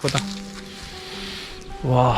देखो तो वाह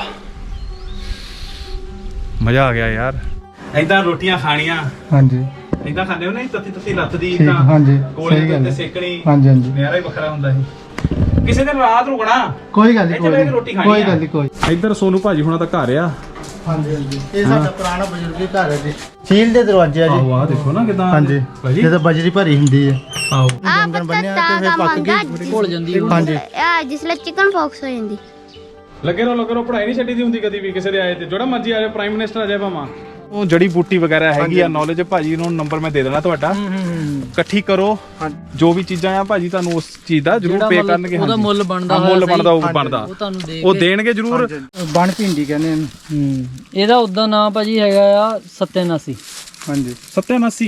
मज़ा आ गया यार। इदां रोटियां खानियां। हाँ जी। इदां खाने हो नहीं तत्ती तत्ती लत्त दी इदां। हाँ जी। कोले ते सेकनी। हाँ जी हाँ जी। नज़ारा ही बखरा हुंदा है। किसी दिन रात रुकना। कोई गल नहीं रोटी खानी। कोई गल नहीं कोई। इधर सोनू भाजी हुणा दा घर आ। हाँ जी हाँ जी। ये साडा पुराना बजुर्गी घर है जी। स्टील दे दरवाजे आ जी। वाह देखो ना किदां। हाँ जी। जिद्दां बजरी भरी हुंदी है। आओ। डंगर बन्निया ते फिर पक गई घुल जंदी। हाँ जी। जिसले चिकन पॉक्स हो जांदी। लगे रहो पढ़ाई नहीं छड्डी दी हुंदी कदी भी किसी दे आए ते जोड़ा मर्जी आ जाए प्राइम मिनिस्टर आ जाए भावां ਉਹ ਜੜੀ ਬੂਟੀ ਵਗੈਰਾ ਹੈਗੀ ਆ ਨੌਲੇਜ ਭਾਜੀ ਨੂੰ ਨੰਬਰ ਮੈਂ ਦੇ ਦੇਣਾ ਤੁਹਾਡਾ ਇਕੱਠੀ ਕਰੋ ਜੋ ਵੀ ਚੀਜ਼ਾਂ ਆ ਭਾਜੀ ਤੁਹਾਨੂੰ ਉਸ ਚੀਜ਼ ਦਾ ਜ਼ਰੂਰ ਪੇ ਕਰਨਗੇ ਉਹਦਾ ਮੁੱਲ ਬਣਦਾ ਉਹ ਬਣਦਾ ਉਹ ਦੇਣਗੇ ਜ਼ਰੂਰ ਬਣ ਭਿੰਡੀ ਕਹਿੰਦੇ ਇਹਨੂੰ ਇਹਦਾ ਉਦਾਂ ਨਾਮ ਭਾਜੀ ਹੈਗਾ ਆ ਸਤਿਆਨਾਸੀ ਹਾਂਜੀ ਸਤਿਆਨਾਸੀ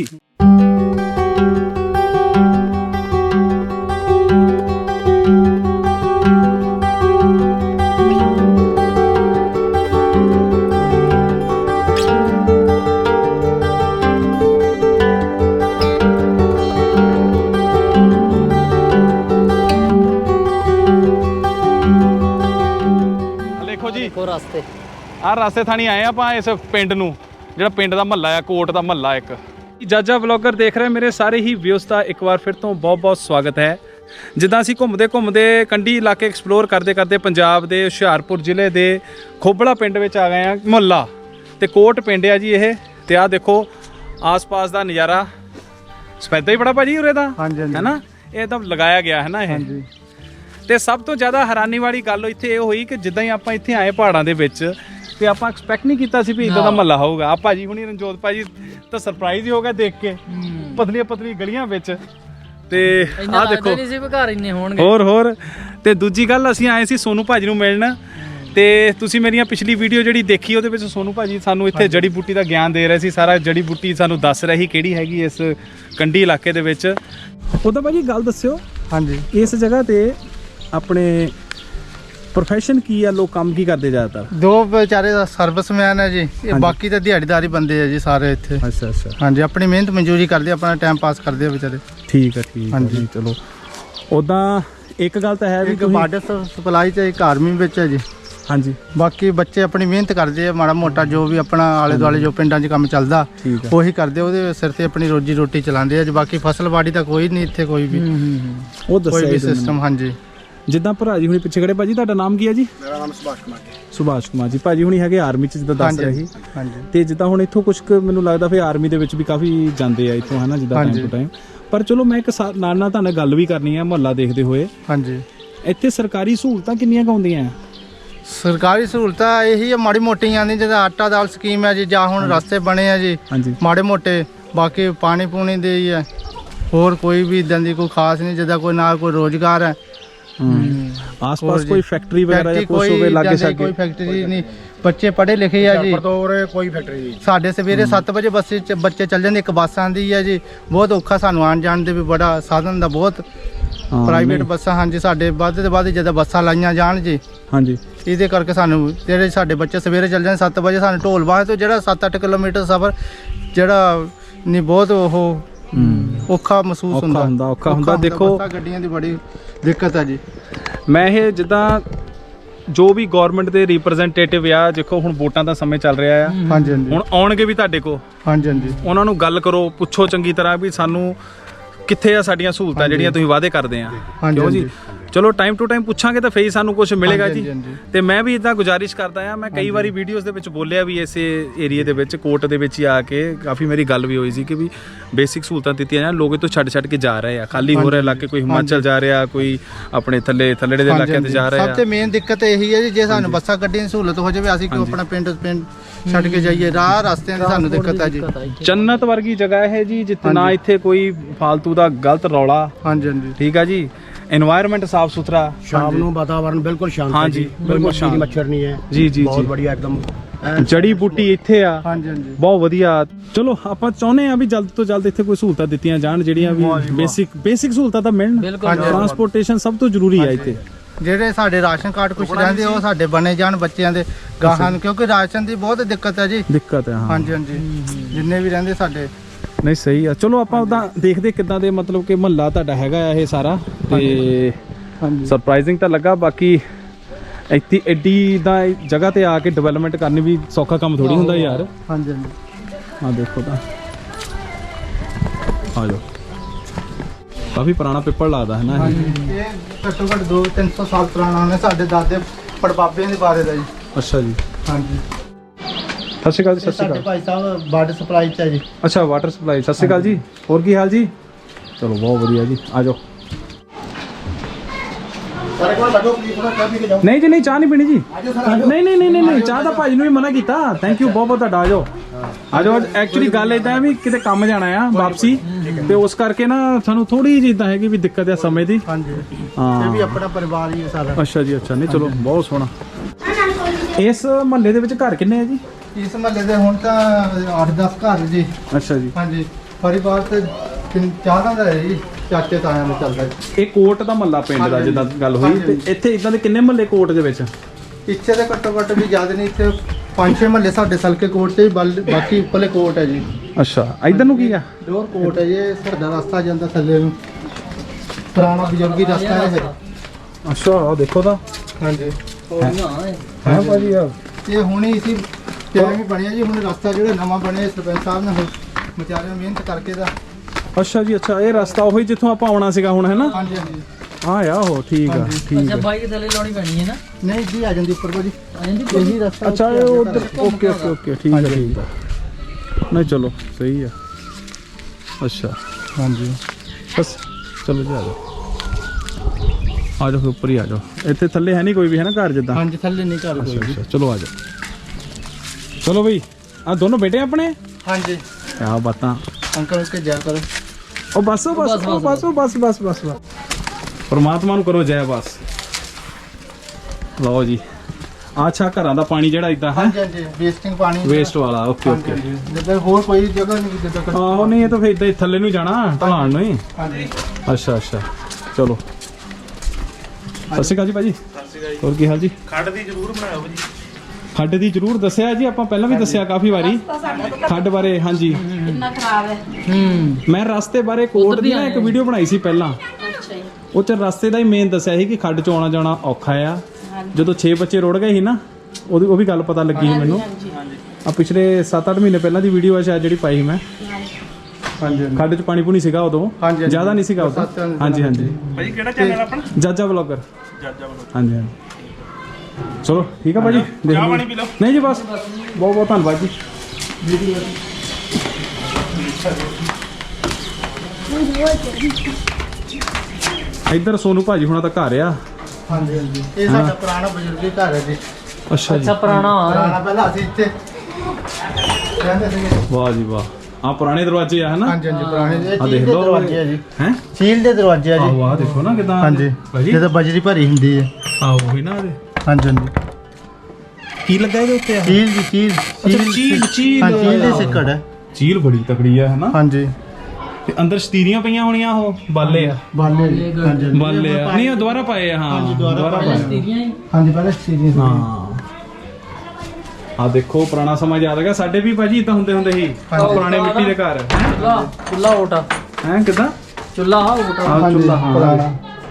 ਰਸਤੇ ਆ ਰਸਤੇ ਥਾਣੀ ਆਏ ਆਪਾਂ ਇਸ ਪਿੰਡ ਨੂੰ ਜਿਹੜਾ ਪਿੰਡ ਦਾ ਮਹੱਲਾ ਆ ਕੋਟ ਦਾ ਮਹੱਲਾ ਇੱਕ ਜਾਜਾ ਵਲੌਗਰ ਦੇਖ ਰਹੇ ਮੇਰੇ ਸਾਰੇ ਹੀ ਵਿਊਜ਼ ਦਾ ਇੱਕ ਵਾਰ ਫਿਰ ਤੋਂ ਬਹੁਤ ਸਵਾਗਤ ਹੈ। ਜਿੱਦਾਂ ਅਸੀਂ ਘੁੰਮਦੇ ਕੰਢੀ ਇਲਾਕੇ ਐਕਸਪਲੋਰ ਕਰਦੇ ਪੰਜਾਬ ਦੇ ਹੁਸ਼ਿਆਰਪੁਰ ਜ਼ਿਲ੍ਹੇ ਦੇ ਖੋਬੜਾ ਪਿੰਡ ਵਿੱਚ ਆ ਗਏ ਆ ਮੁਹੱਲਾ ਤੇ ਕੋਟ ਪਿੰਡ ਆ ਜੀ ਇਹ ਤੇ ਆ ਦੇਖੋ ਆਸ-ਪਾਸ ਦਾ ਨਜ਼ਾਰਾ ਸਫੈਦਾ ਹੀ ਬੜਾ ਭਾਜੀ ਉਰੇ ਦਾ ਹੈ ਨਾ ਇਹ ਤਾਂ ਲਗਾਇਆ ਗਿਆ ਹੈ ਨਾ ਇਹ ਹਾਂਜੀ ਤੇ ਸਭ ਤੋਂ ਜ਼ਿਆਦਾ ਹੈਰਾਨੀ ਵਾਲੀ ਗੱਲ ਇੱਥੇ ਇਹ ਹੋਈ ਕਿ ਜਿੱਦਾਂ ਹੀ ਆਪਾਂ ਇੱਥੇ ਆਏ ਪਹਾੜਾਂ ਦੇ ਵਿੱਚ ਤੇ ਆਪਾਂ ਐਕਸਪੈਕਟ ਨਹੀਂ ਕੀਤਾ ਸੀ ਵੀ ਇਦਾਂ ਦਾ ਮਹੱਲਾ ਹੋਊਗਾ। ਆ ਭਾਜੀ ਹੁਣੀ ਰਣਜੋਤ ਭਾਜੀ ਤਾਂ ਸਰਪ੍ਰਾਈਜ਼ ਹੀ ਹੋ ਗਿਆ ਦੇਖ ਕੇ ਪਤਲੀ ਗਲੀਆਂ ਵਿੱਚ ਤੇ ਆ ਦੇਖੋ ਨਹੀਂ ਸੀ ਘਰ ਇੰਨੇ ਹੋਣਗੇ ਹੋਰ ਤੇ ਦੂਜੀ ਗੱਲ ਅਸੀਂ ਆਏ ਸੀ ਸੋਨੂ ਭਾਜੀ ਨੂੰ ਮਿਲਣ ਤੇ ਤੁਸੀਂ ਮੇਰੀਆਂ ਪਿਛਲੀ ਵੀਡੀਓ ਜਿਹੜੀ ਦੇਖੀ ਉਹਦੇ ਵਿੱਚ ਸੋਨੂ ਭਾਜੀ ਸਾਨੂੰ ਇੱਥੇ ਜੜੀ ਬੂਟੀ ਦਾ ਗਿਆਨ ਦੇ ਰਹੇ ਸੀ ਸਾਰਾ ਜੜੀ ਬੂਟੀ ਸਾਨੂੰ ਦੱਸ ਰਹੇ ਸੀ ਕਿਹੜੀ ਹੈਗੀ ਇਸ ਕੰਢੀ ਇਲਾਕੇ ਦੇ ਵਿੱਚ। ਉਹਦਾ ਭਾਜੀ ਗੱਲ ਦੱਸਿਓ ਹਾਂਜੀ ਇਸ ਜਗ੍ਹਾ ਤੇ ਆਪਣੇ ਪ੍ਰੋਫੈਸ਼ਨ ਕੀ ਆ ਲੋਕ ਕੰਮ ਕੀ ਕਰਦੇ ਜ਼ਿਆਦਾਤਰ ਦੋ ਵਿਚਾਰੇ ਦਾ ਸਰਵਿਸਮੈਨ ਹੈ ਜੀ ਇਹ ਬਾਕੀ ਤਾਂ ਦਿਹਾੜੀਦਾਰੀ ਬੰਦੇ ਆ ਜੀ ਸਾਰੇ ਇੱਥੇ ਅੱਛਾ ਹਾਂਜੀ ਆਪਣੀ ਮਿਹਨਤ ਮਜ਼ਦੂਰੀ ਕਰਦੇ ਆਪਣਾ ਟਾਈਮ ਪਾਸ ਕਰਦੇ ਆ ਵਿਚਾਰੇ ਠੀਕ ਹਾਂਜੀ ਚਲੋ ਉਦਾਂ ਇੱਕ ਗੱਲ ਤਾਂ ਹੈ ਵੀ ਬਾਰਡਰ ਸਪਲਾਈ ਚ ਇੱਕ ਆਰਮੀ ਵਿੱਚ ਹੈ ਜੀ ਹਾਂਜੀ ਬਾਕੀ ਬੱਚੇ ਆਪਣੀ ਮਿਹਨਤ ਕਰਦੇ ਆ ਮਾੜਾ ਮੋਟਾ ਜੋ ਵੀ ਆਪਣਾ ਆਲੇ ਦੁਆਲੇ ਜੋ ਪਿੰਡਾਂ 'ਚ ਕੰਮ ਚੱਲਦਾ ਉਹੀ ਕਰਦੇ ਉਹਦੇ ਸਿਰ ਤੇ ਆਪਣੀ ਰੋਜੀ ਰੋਟੀ ਚਲਾਉਂਦੇ ਆ ਜੀ ਬਾਕੀ ਫਸਲਬਾੜੀ ਤਾਂ ਕੋਈ ਨਹੀਂ ਇੱਥੇ ਕੋਈ ਵੀ ਉਹ ਕੋਈ ਵੀ ਸਿਸਟਮ ਹਾਂਜੀ ਜਿੱਦਾਂ ਭਰਾ ਜੀ ਹੁਣੀ ਪਿੱਛੇ ਖੜੇ ਭਾਜੀ ਤੁਹਾਡਾ ਨਾਮ ਕੀ ਹੈ ਜੀ? ਮੇਰਾ ਨਾਮ ਸੁਭਾਸ਼ ਕੁਮਾਰ ਜੀ। ਸੁਭਾਸ਼ ਕੁਮਾਰ ਜੀ ਭਾਜੀ ਹੁਣੀ ਹੈਗੇ ਆਰਮੀ ਚ ਜਿੱਦਾਂ ਦੱਸ ਰਹੇ ਸੀ ਹਾਂਜੀ ਤੇ ਜਿੱਦਾਂ ਹੁਣ ਇੱਥੋਂ ਕੁਝ ਮੈਨੂੰ ਲੱਗਦਾ ਫਿਰ ਆਰਮੀ ਦੇ ਵਿੱਚ ਵੀ ਕਾਫੀ ਜਾਂਦੇ ਆ ਇੱਥੋਂ ਹਨਾ ਜਿੱਦਾਂ ਟਾਈਮ ਟੂ ਟਾਈਮ ਪਰ ਚਲੋ ਮੈਂ ਇੱਕ ਨਾਲ ਤੁਹਾਨੂੰ ਗੱਲ ਵੀ ਕਰਨੀ ਹੈ ਮੁਹੱਲਾ ਦੇਖਦੇ ਹੋਏ ਹਾਂਜੀ ਇੱਥੇ ਸਰਕਾਰੀ ਸਹੂਲਤਾਂ ਕਿੰਨੀਆਂ ਕੁ ਆਉਂਦੀਆਂ ਆ? ਸਰਕਾਰੀ ਸਹੂਲਤਾਂ ਇਹੀ ਆ ਮਾੜੀ ਮੋਟੀਆਂ ਆਉਂਦੀਆਂ ਜਿੱਦਾਂ ਆਟਾ ਦਾਲ ਸਕੀਮ ਹੈ ਜੀ ਜਾਂ ਹੁਣ ਰਸਤੇ ਬਣੇ ਆ ਜੀ ਮਾੜੇ ਮੋਟੇ ਬਾਕੀ ਪਾਣੀ ਪੂਣੀ ਦੇ ਹੀ ਹੈ ਹੋਰ ਕੋਈ ਵੀ ਇਦਾਂ ਦੀ ਕੋਈ ਖਾਸ ਨਹੀਂ ਜਿੱਦਾਂ ਕੋਈ ਨਾ ਕੋਈ ਰੋਜ਼ਗਾਰ ਹੈ ਆਸ-ਪਾਸ ਕੋਈ ਫੈਕਟਰੀ ਵਗੈਰਾ ਜਾਂ ਕੁਝ ਹੋਵੇ ਲਾਗੇ ਸਾਗੇ ਕੋਈ ਫੈਕਟਰੀ ਨਹੀਂ ਬੱਚੇ ਪੜ੍ਹੇ ਲਿਖੇ ਆ ਜੀ ਕੋਈ ਫੈਕਟਰੀ ਨਹੀਂ ਸਾਡੇ ਸਵੇਰੇ 7 ਵਜੇ ਬੱਚੇ ਚੱਲ ਜਾਂਦੇ ਇੱਕ ਬੱਸ ਆਉਂਦੀ ਹੈ ਜੀ ਬਹੁਤ ਔਖਾ ਸਾਨੂੰ ਆਉਣ ਜਾਣ ਦੇ ਵੀ ਬੜਾ ਸਾਧਨ ਦਾ ਬਹੁਤ ਪ੍ਰਾਈਵੇਟ ਬੱਸਾਂ ਹਾਂਜੀ ਸਾਡੇ ਵੱਧ ਤੋਂ ਵੱਧ ਜਦੋਂ ਬੱਸਾਂ ਲਾਈਆਂ ਜਾਣ ਜੀ ਹਾਂਜੀ ਇਹਦੇ ਕਰਕੇ ਸਾਨੂੰ ਜਿਹੜੇ ਸਾਡੇ ਬੱਚੇ ਸਵੇਰੇ ਚੱਲ ਜਾਂਦੇ 7 ਵਜੇ ਸਾਨੂੰ ਢੋਲ ਬਾਹ ਤੋਂ ਜਿਹੜਾ 7-8 ਕਿਲੋਮੀਟਰ ਸਫ਼ਰ ਜਿਹੜਾ ਨਹੀਂ ਬਹੁਤ ਉਹ ਔਖਾ ਮਹਿਸੂਸ ਹੁੰਦਾ ਦੇਖੋ ਗੱਡੀਆਂ ਦੀ ਬੜੀ ਦਿੱਕਤ ਹੈ ਜੀ। ਮੈਂ ਇਹ ਜਿੱਦਾਂ ਜੋ ਵੀ ਗਵਰਨਮੈਂਟ ਦੇ ਰਿਪਰੈਜ਼ੈਂਟੇਟਿਵ ਆ ਦੇਖੋ ਹੁਣ ਵੋਟਾਂ ਦਾ ਸਮੇਂ ਚੱਲ ਰਿਹਾ ਆ ਹਾਂਜੀ ਹੁਣ ਆਉਣਗੇ ਵੀ ਤੁਹਾਡੇ ਕੋਲ ਹਾਂਜੀ ਉਹਨਾਂ ਨੂੰ ਗੱਲ ਕਰੋ ਪੁੱਛੋ ਚੰਗੀ ਤਰ੍ਹਾਂ ਵੀ ਸਾਨੂੰ ਕਿੱਥੇ ਆ ਸਾਡੀਆਂ ਸਹੂਲਤਾਂ ਜਿਹੜੀਆਂ ਤੁਸੀਂ ਵਾਅਦੇ ਕਰਦੇ ਆ ਕਿਉਂ ਜੀ ਚਲੋ ਟਾਈਮ ਟੂ ਟਾਈਮ ਪੁੱਛਾਂਗੇ ਤਾਂ ਫੇਰ ਸਾਨੂੰ ਕੁਝ ਮਿਲੇਗਾ ਜੀ ਤੇ ਮੈਂ ਵੀ ਇਦਾਂ ਗੁਜ਼ਾਰਿਸ਼ ਕਰਦਾ ਆ ਮੈਂ ਕਈ ਵਾਰੀ ਵੀਡੀਓਜ਼ ਦੇ ਵਿੱਚ ਬੋਲਿਆ ਵੀ ਇਸੇ ਏਰੀਏ ਦੇ ਵਿੱਚ ਕੋਟ ਦੇ ਵਿੱਚ ਹੀ ਆ ਕੇ ਕਾਫੀ ਮੇਰੀ ਗੱਲ ਵੀ ਹੋਈ ਸੀ ਕਿ ਵੀ ਬੇਸਿਕ ਸਹੂਲਤਾਂ ਦਿੱਤੀਆਂ ਜਾਣ ਲੋਕ ਇੱਥੋਂ ਛੱਡ ਕੇ ਜਾ ਰਹੇ ਆ ਖਾਲੀ ਹੋ ਰਹੇ ਇਲਾਕੇ ਕੋਈ ਹਿਮਾਚਲ ਜਾ ਰਿਹਾ ਕੋਈ ਆਪਣੇ ਥੱਲੜੇ ਦੇ ਇਲਾਕਿਆਂ ਤੇ ਜਾ ਰਹੇ ਆ ਸਭ ਤੋਂ ਮੇਨ ਦਿੱਕਤ ਇਹੀ ਹੈ ਜੀ ਜੇ ਸਾਨੂੰ ਬੱਸਾਂ ਗੱਡੀਆਂ ਦੀ ਸਹੂਲਤ ਹੋ ਜਾਵੇ ਅਸੀਂ ਕਿਉਂ ਆਪਣਾ ਪਿੰਡ ਛੱਡ ਕੇ ਜਾਈਏ ਰਾਹ ਰਸਤਿਆਂ ਦੀ ਸਾਨੂੰ ਦਿੱਕਤ ਹੈ ਜੀ ਜੰਨਤ ਵਰਗੀ ਜਗ੍ਹਾ ਹੈ ਜੀ ਜਿੱਥੇ ਨਾ ਇੱਥੇ ਕੋਈ ਫਾਲਤੂ ਦਾ ਗਲਤ ਰੌਲਾ ਹਾਂਜੀ ਠੀਕ ਆ ਜੀ एनवायरमेंट साफ सुथरा शाम ਨੂੰ ਵਾਤਾਵਰਨ ਬਿਲਕੁਲ ਸ਼ਾਂਤ हाँ जी बिल्कुल शांत ਮੱਛਰ ਨਹੀਂ ਹੈ जी ਬਹੁਤ ਵਧੀਆ ਇੱਕਦਮ ਜੜੀ ਬੂਟੀ ਇੱਥੇ ਆ ਹਾਂਜੀ ਬਹੁਤ ਵਧੀਆ ਚਲੋ ਆਪਾਂ ਚਾਹੁੰਦੇ ਆ ਵੀ ਜਲਦ ਤੋਂ ਜਲਦ ਇੱਥੇ ਕੋਈ ਸਹੂਲਤਾਂ ਦਿੱਤੀਆਂ ਜਾਣ ਜਿਹੜੀਆਂ ਵੀ ਬੇਸਿਕ ਸਹੂਲਤਾਂ ਤਾਂ ਮਿਲਣ ਟਰਾਂਸਪੋਰਟੇਸ਼ਨ ਸਭ ਤੋਂ ਜ਼ਰੂਰੀ ਆ ਇੱਥੇ ਜਿਹੜੇ ਸਾਡੇ ਰਾਸ਼ਨ ਕਾਰਡ ਕੁਛ ਰਹਿੰਦੇ ਉਹ ਸਾਡੇ ਬਣੇ ਜਾਣ ਬੱਚਿਆਂ ਦੇ ਗਾਹਾਂ ਨੂੰ ਕਿਉਂਕਿ ਰਾਸ਼ਨ ਦੀ ਬਹੁਤ ਦਿੱਕਤ ਹੈ ਜੀ ਦਿੱਕਤ ਹੈ ਹਾਂਜੀ ਜਿੰਨੇ ਵੀ ਰਹਿੰਦੇ ਸਾਡੇ ਨਹੀਂ ਸਹੀ ਆ ਚਲੋ ਆਪਾਂ ਉਦਾਂ ਦੇਖਦੇ ਕਿੱਦਾਂ ਦੇ ਮਤਲਬ ਕਿ ਮਹੱਲਾ ਤੁਹਾਡਾ ਹੈਗਾ ਆ ਇਹ ਸਾਰਾ ਤੇ ਸਰਪ੍ਰਾਈਜ਼ਿੰਗ ਤਾਂ ਲੱਗਾ ਬਾਕੀ ਇੱਥੇ ਐਡੀ ਦਾ ਜਗ੍ਹਾ ਤੇ ਆ ਕੇ ਡਿਵੈਲਪਮੈਂਟ ਕਰਨੀ ਵੀ ਸੌਖਾ ਕੰਮ ਥੋੜੀ ਹੁੰਦਾ ਯਾਰ। ਹਾਂਜੀ ਹਾਂਜੀ ਆ ਦੇਖੋ ਤਾਂ ਆ ਜਾਓ, ਕਾਫੀ ਪੁਰਾਣਾ ਪਿੱਪਲ ਲੱਗਦਾ ਹੈ ਨਾ ਇਹ। ਇਹ ਘੱਟੋ ਘੱਟ 200-300 ਸਾਲ ਪੁਰਾਣਾ ਨੇ, ਸਾਡੇ ਦਾਦੇ ਪੜਬਾਬਿਆਂ ਦੇ ਬਾਰੇ ਦਾ ਜੀ। ਅੱਛਾ ਜੀ, ਹਾਂਜੀ ਸਤਿ ਸ਼੍ਰੀ ਅਕਾਲ ਜੀ। ਸਤਿ ਸ਼੍ਰੀ ਸਾਡੇ ਅਕਾਲ। ਭਾਈ ਸਾਹਿਬ ਵਾਟਰ ਸਪਲਾਈ ਚ ਹੈ ਜੀ। ਅੱਛਾ, ਵਾਟਰ ਸਪਲਾਈ। ਸਤਿ ਸ਼੍ਰੀ ਅਕਾਲ ਜੀ, ਹੋਰ ਕੀ ਹਾਲ ਜੀ? ਚਲੋ ਬਹੁਤ ਵਧੀਆ ਜੀ, ਆ ਜਾਓ। ਸਾਰੇ ਕੋਲ ਲੱਗੋ ਪਲੀਜ਼ ਥੋੜਾ ਚਾਹ ਪੀ ਕੇ ਜਾਓ। ਨਹੀਂ ਜੀ ਨਹੀਂ, ਚਾਹ ਨਹੀਂ ਪੀਣੀ ਜੀ। ਆਜੋ ਸਰ ਆਜੋ। ਨਹੀਂ, ਚਾਹ ਤਾਂ ਭਾਜੀ ਨੂੰ ਵੀ ਮਨਾ ਕੀਤਾ। ਥੈਂਕ ਯੂ ਬਹੁਤ ਬਹੁਤ ਤੁਹਾਡਾ। ਆ ਜਾਓ ਆ ਜਾਓ। ਐਕਚੁਅਲੀ ਗੱਲ ਇਦਾਂ ਹੈ ਵੀ ਕਿਤੇ ਕੰਮ ਜਾਣਾ ਆ ਵਾਪਸੀ, ਤੇ ਉਸ ਕਰਕੇ ਨਾ ਸਾਨੂੰ ਥੋੜੀ ਜਿਹੀ ਇਦਾਂ ਹੈਗੀ ਵੀ ਦਿੱਕਤ ਆ ਸਮੇਂ ਦੀ। ਹਾਂਜੀ ਹਾਂ ਇਹ ਵੀ ਆਪਣਾ ਪਰਿਵਾਰ ਹੀ ਹੈ ਸਾਰਾ। ਅੱਛਾ ਜੀ, ਅੱਛਾ। ਨਹੀਂ ਚਲੋ ਬਹੁਤ ਸੋਹਣਾ। ਇਸ ਮਹੱਲੇ ਦੇ ਵਿੱਚ ਘਰ ਕਿੰਨੇ ਆ ਜੀ? ਇਸ ਮਹੱਲੇ ਦੇ ਹੁਣ ਤਾਂ 8-10 ਘਰ ਜੀ। ਅੱਛਾ ਜੀ। ਹਾਂਜੀ ਪਰਿਵਾਰ ਤੇ 4 ਦਾ ਹੈ ਜੀ, ਚਾਚੇ ਤਾਇਆਂ ਦਾ ਚੱਲਦਾ ਜੀ। ਇਹ ਕੋਟ ਦਾ ਮਹੱਲਾ ਪਿੰਡ ਦਾ ਜਿੱਦਾਂ ਗੱਲ ਹੋਈ, ਤੇ ਇੱਥੇ ਇਦਾਂ ਦੇ ਕਿੰਨੇ ਮਹੱਲੇ ਕੋਟ ਦੇ ਵਿੱਚ? ਇੱਥੇ ਦੇ ਘੱਟੋ ਘੱਟ ਵੀ ਜ਼ਿਆਦਾ ਨਹੀਂ, ਇੱਥੇ 5-6 ਮਹੱਲੇ ਸਾਡੇ ਸਲਕੇ ਕੋਟ ਤੇ ਬਾਕੀ ਉੱਪਰਲੇ ਕੋਟ ਹੈ ਜੀ। ਅੱਛਾ, ਇਧਰ ਨੂੰ ਕੀ ਆ? ਡੋਰ ਕੋਟ ਹੈ ਜੀ। ਇਹ ਸਾਡਾ ਰਸਤਾ ਜਾਂਦਾ ਥੱਲੇ ਨੂੰ, ਪੁਰਾਣਾ ਬਜ਼ੁਰਗੀ ਰਸਤਾ ਹੈ ਇਹ। ਅੱਛਾ, ਆ ਦੇਖੋ ਤਾਂ। ਹਾਂਜੀ ਹਾਂ ਭਾਜੀ ਆ। ਇਹ ਹੁਣੀ ਇਸੀ ਟਾਈਮ ਹੀ ਬਣਿਆ ਜੀ। ਹੁਣ ਰਸਤਾ ਜਿਹੜਾ ਨਵਾਂ ਬਣਿਆ ਸਰਪੰਚ ਸਾਹਿਬ ਨੇ ਵਿਚਾਰਿਆਂ ਮਿਹਨਤ ਕਰਕੇ ਦਾ। ਅੱਛਾ ਜੀ, ਅੱਛਾ। ਇਹ ਰਸਤਾ ਉਹੀ ਜਿੱਥੋਂ ਆਪਾਂ ਆਉਣਾ ਸੀਗਾ ਹੁਣ, ਹੈ ਨਾ? ਹਾਂਜੀ ਹਾਂਜੀ ਆ ਉਹ ਠੀਕ ਆ, ਠੀਕ ਅੱਛਾ ਆ। ਬਾਈਕ ਥੱਲੇ ਲਾਉਣੀ ਪੈਣੀ ਹੈ ਨਾ? ਨਹੀਂ ਜੀ ਆ ਜਾਂਦੀ ਉੱਪਰ ਭਾਜੀ, ਆ ਜਾਂਦੀ ਇਹੀ ਰਸਤਾ। ਅੱਛਾ, ਇਹ ਉਧਰ। ਓਕੇ ਓਕੇ ਓਕੇ, ਠੀਕ ਆ ਠੀਕ ਆ। ਨਹੀਂ ਚਲੋ ਸਹੀ ਆ। ਅੱਛਾ ਹਾਂਜੀ ਬਸ ਚਲੋ ਜੀ, ਆ ਜਾਓ ਉੱਪਰ ਹੀ ਆ ਜਾਓ। ਇੱਥੇ ਥੱਲੇ ਹੈ ਨਹੀਂ ਕੋਈ ਵੀ, ਹੈ ਨਾ ਘਰ ਜਿੱਦਾਂ? ਹਾਂਜੀ ਥੱਲੇ ਨਹੀਂ ਘਰ ਕੋਈ ਵੀ। ਅੱਛਾ ਚਲੋ ਆ ਜਾਓ। ਚਲੋ ਬਈ, ਆ ਦੋਨੋਂ ਬੇਟੇ ਆਪਣੇ? ਹਾਂਜੀ ਕਿਆ ਬਾਤਾਂ। ਅੰਕਲ ਕੇ ਜਾ ਕਰੋ। ਉਹ ਬਸ ਬਸ ਪਰਮਾਤਮਾ ਨੂੰ ਕਰੋ ਜੈ। ਬਸ ਲਓ ਜੀ। ਅੱਛਾ, ਘਰਾਂ ਦਾ ਪਾਣੀ ਜਿਹੜਾ ਇਦਾਂ ਹੈ ਹਾਂਜੀ ਹਾਂਜੀ ਵੇਸਟਿੰਗ ਪਾਣੀ ਵੇਸਟ ਵਾਲਾ। Okay okay. ਜਿੱਦਾਂ ਹੋਰ ਕੋਈ ਜਗ੍ਹਾ ਨਹੀਂ ਜਿੱਦਾਂ। ਆਹੋ ਨਹੀਂ, ਇਹ ਤਾਂ ਫਿਰ ਇਦਾਂ ਥੱਲੇ ਨੂੰ ਜਾਣਾ ਢਲਾਣ ਨੂੰ ਹੀ। ਹਾਂਜੀ ਅੱਛਾ ਅੱਛਾ ਚਲੋ। ਸਤਿ ਸ਼੍ਰੀ ਅਕਾਲ ਜੀ ਭਾਜੀ। ਹੋਰ ਕੀ ਹਾਲ ਜੀ? ਖੱਡ ਦੀ ਜ਼ਰੂਰ ਬਣਾਇਓ ਜੀ। ਖੱਡ ਦੀ ਜ਼ਰੂਰ ਦੱਸਿਆ ਜੀ, ਆਪਾਂ ਪਹਿਲਾਂ ਵੀ ਦੱਸਿਆ ਕਾਫੀ ਵਾਰੀ ਖੱਡ ਬਾਰੇ। ਹਾਂਜੀ ਕਿੰਨਾ ਖਰਾਬ ਹੈ। ਮੈਂ ਰਸਤੇ ਬਾਰੇ ਕੋਟ ਦੀ ਨਾ ਇੱਕ ਵੀਡੀਓ ਬਣਾਈ ਸੀ ਪਹਿਲਾਂ। ਅੱਛਾ ਜੀ। ਉਹ ਚ ਰਸਤੇ ਦਾ ਹੀ ਮੇਨ ਦੱਸਿਆ ਸੀ ਕਿ ਖੱਡ ਚ ਆਉਣਾ ਜਾਣਾ ਔਖਾ ਆ। ਜਦੋਂ 6 ਬੱਚੇ ਰੁੜ ਗਏ ਸੀ ਨਾ, ਉਹ ਵੀ ਗੱਲ ਪਤਾ ਲੱਗੀ ਸੀ ਮੈਨੂੰ। ਆ ਪਿਛਲੇ 7-8 ਮਹੀਨੇ ਪਹਿਲਾਂ ਦੀ ਵੀਡੀਓ ਆ ਸ਼ਾਇਦ ਜਿਹੜੀ ਪਾਈ ਮੈਂ। ਹਾਂਜੀ ਖੱਡ ਚ ਪਾਣੀ ਪੂਣੀ ਸੀਗਾ ਉਦੋਂ, ਹਾਂਜੀ। ਜ਼ਿਆਦਾ ਨਹੀਂ ਸੀਗਾ ਉਦੋਂ। ਹਾਂਜੀ ਹਾਂਜੀ। ਭਾਜੀ ਕਿਹੜਾ ਚੈਨਲ ਆਪਣਾ? ਜਾਜਾ ਵਲੌਗਰ। ਜਾਜਾ ਵੱਲੋਂ। ਹਾਂਜੀ ਹਾਂਜੀ। ਚਲੋ ਠੀਕ ਆ ਭਾਜੀ, ਦੇਖ ਚਾਹ ਲਓ। ਪਾਣੀ ਪੀ ਲਓ। ਨਹੀਂ ਜੀ ਬਸ ਬਹੁਤ ਬਹੁਤ ਧੰਨਵਾਦ ਜੀ। ਇੱਧਰ ਸੋਨੂ ਭਾਜੀ ਹੁਣਾਂ ਦਾ ਘਰ ਆ। ਹਾਂਜੀ ਹਾਂਜੀ ਇਹ ਸਾਡਾ ਪੁਰਾਣਾ ਬਜ਼ੁਰਗੀ ਘਰ ਹੈ ਜੀ। ਅੱਛਾ ਜੀ, ਅੱਛਾ ਪੁਰਾਣਾ ਪੁਰਾਣਾ ਪਹਿਲਾਂ ਅਸੀਂ ਇੱਥੇ ਰਹਿੰਦੇ ਸੀਗੇ। ਵਾਹ ਜੀ ਵਾਹ। ਆ ਪੁਰਾਣੇ ਦਰਵਾਜ਼ੇ ਆ, ਹੈ ਨਾ? ਹਾਂਜੀ ਹਾਂਜੀ ਪੁਰਾਣੇ ਦੇ ਆ ਚੀਲ ਦੇਖ ਦੇ ਲਓ। ਦਰਵਾਜ਼ੇ ਆ ਜੀ। ਹੈ ਚੀਲ ਦੇ ਦਰਵਾਜ਼ੇ ਆ ਜੀ। ਆਹ ਦੇਖੋ ਨਾ ਕਿਦਾਂ। ਹਾਂਜੀ ਭਾਜੀ ਜਿਹਦੇ ਬਜਰੀ ਭਰੀ ਹੁੰਦੀ ਹੈ। ਆਹ ਉਹੀ ਨਾ ਇਹਦੇ ਹਾਂਜੀ ਹਾਂਜੀ ਕੀ ਲੱਗਾ ਇਹਦੇ ਉੱਤੇ? ਚੀਲ ਦੀ ਚੀਲ ਅੱਛਾ, ਚੀਲ ਚੀਲ। ਹਾਂ ਚੀਲ ਦੀ ਸਿੱਕੜ ਹੈ। ਚੀਲ ਬੜੀ ਤਕੜੀ ਆ, ਹੈ ਨਾ? ਹਾਂਜੀ ਤੇ ਅੰਦਰ ਸਤੀਰੀਆਂ ਪਈਆਂ ਹੋਣੀਆਂ, ਉਹ ਬਾਲੇ ਆ। ਬਾਲੇ ਜੀ। ਹਾਂਜੀ ਹਾਂਜੀ। ਬਾਲੇ ਆ ਨਹੀਂ, ਉਹ ਦੁਬਾਰਾ ਪਾਏ ਆ। ਹਾਂ ਹਾਂਜੀ, ਦੁਬਾਰਾ ਪਾਏ ਆ। ਤੀਰੀਆਂ ਹੀ। ਹਾਂਜੀ ਪਹਿਲਾਂ ਸੀਰੀਅਸ। ਹਾਂ ਆ ਦੇਖੋ, ਪੁਰਾਣਾ ਸਮਾਂ ਯਾਦ ਆ ਗਿਆ। ਸਾਡੇ ਵੀ ਭਾਜੀ ਇਦਾਂ ਹੁੰਦੇ ਸੀ, ਹਾਂਜੀ। ਪੁਰਾਣੇ ਮਿੱਟੀ ਦੇ ਘਰ। ਚੁੱਲਾ ਓਟਾ। ਹੈ ਕਿਦਾਂ? ਚੁੱਲਾ ਓਟਾ। ਆ ਚੁੱਲ੍ਹਾ, ਹਾਂ ਪੁਰਾਣਾ।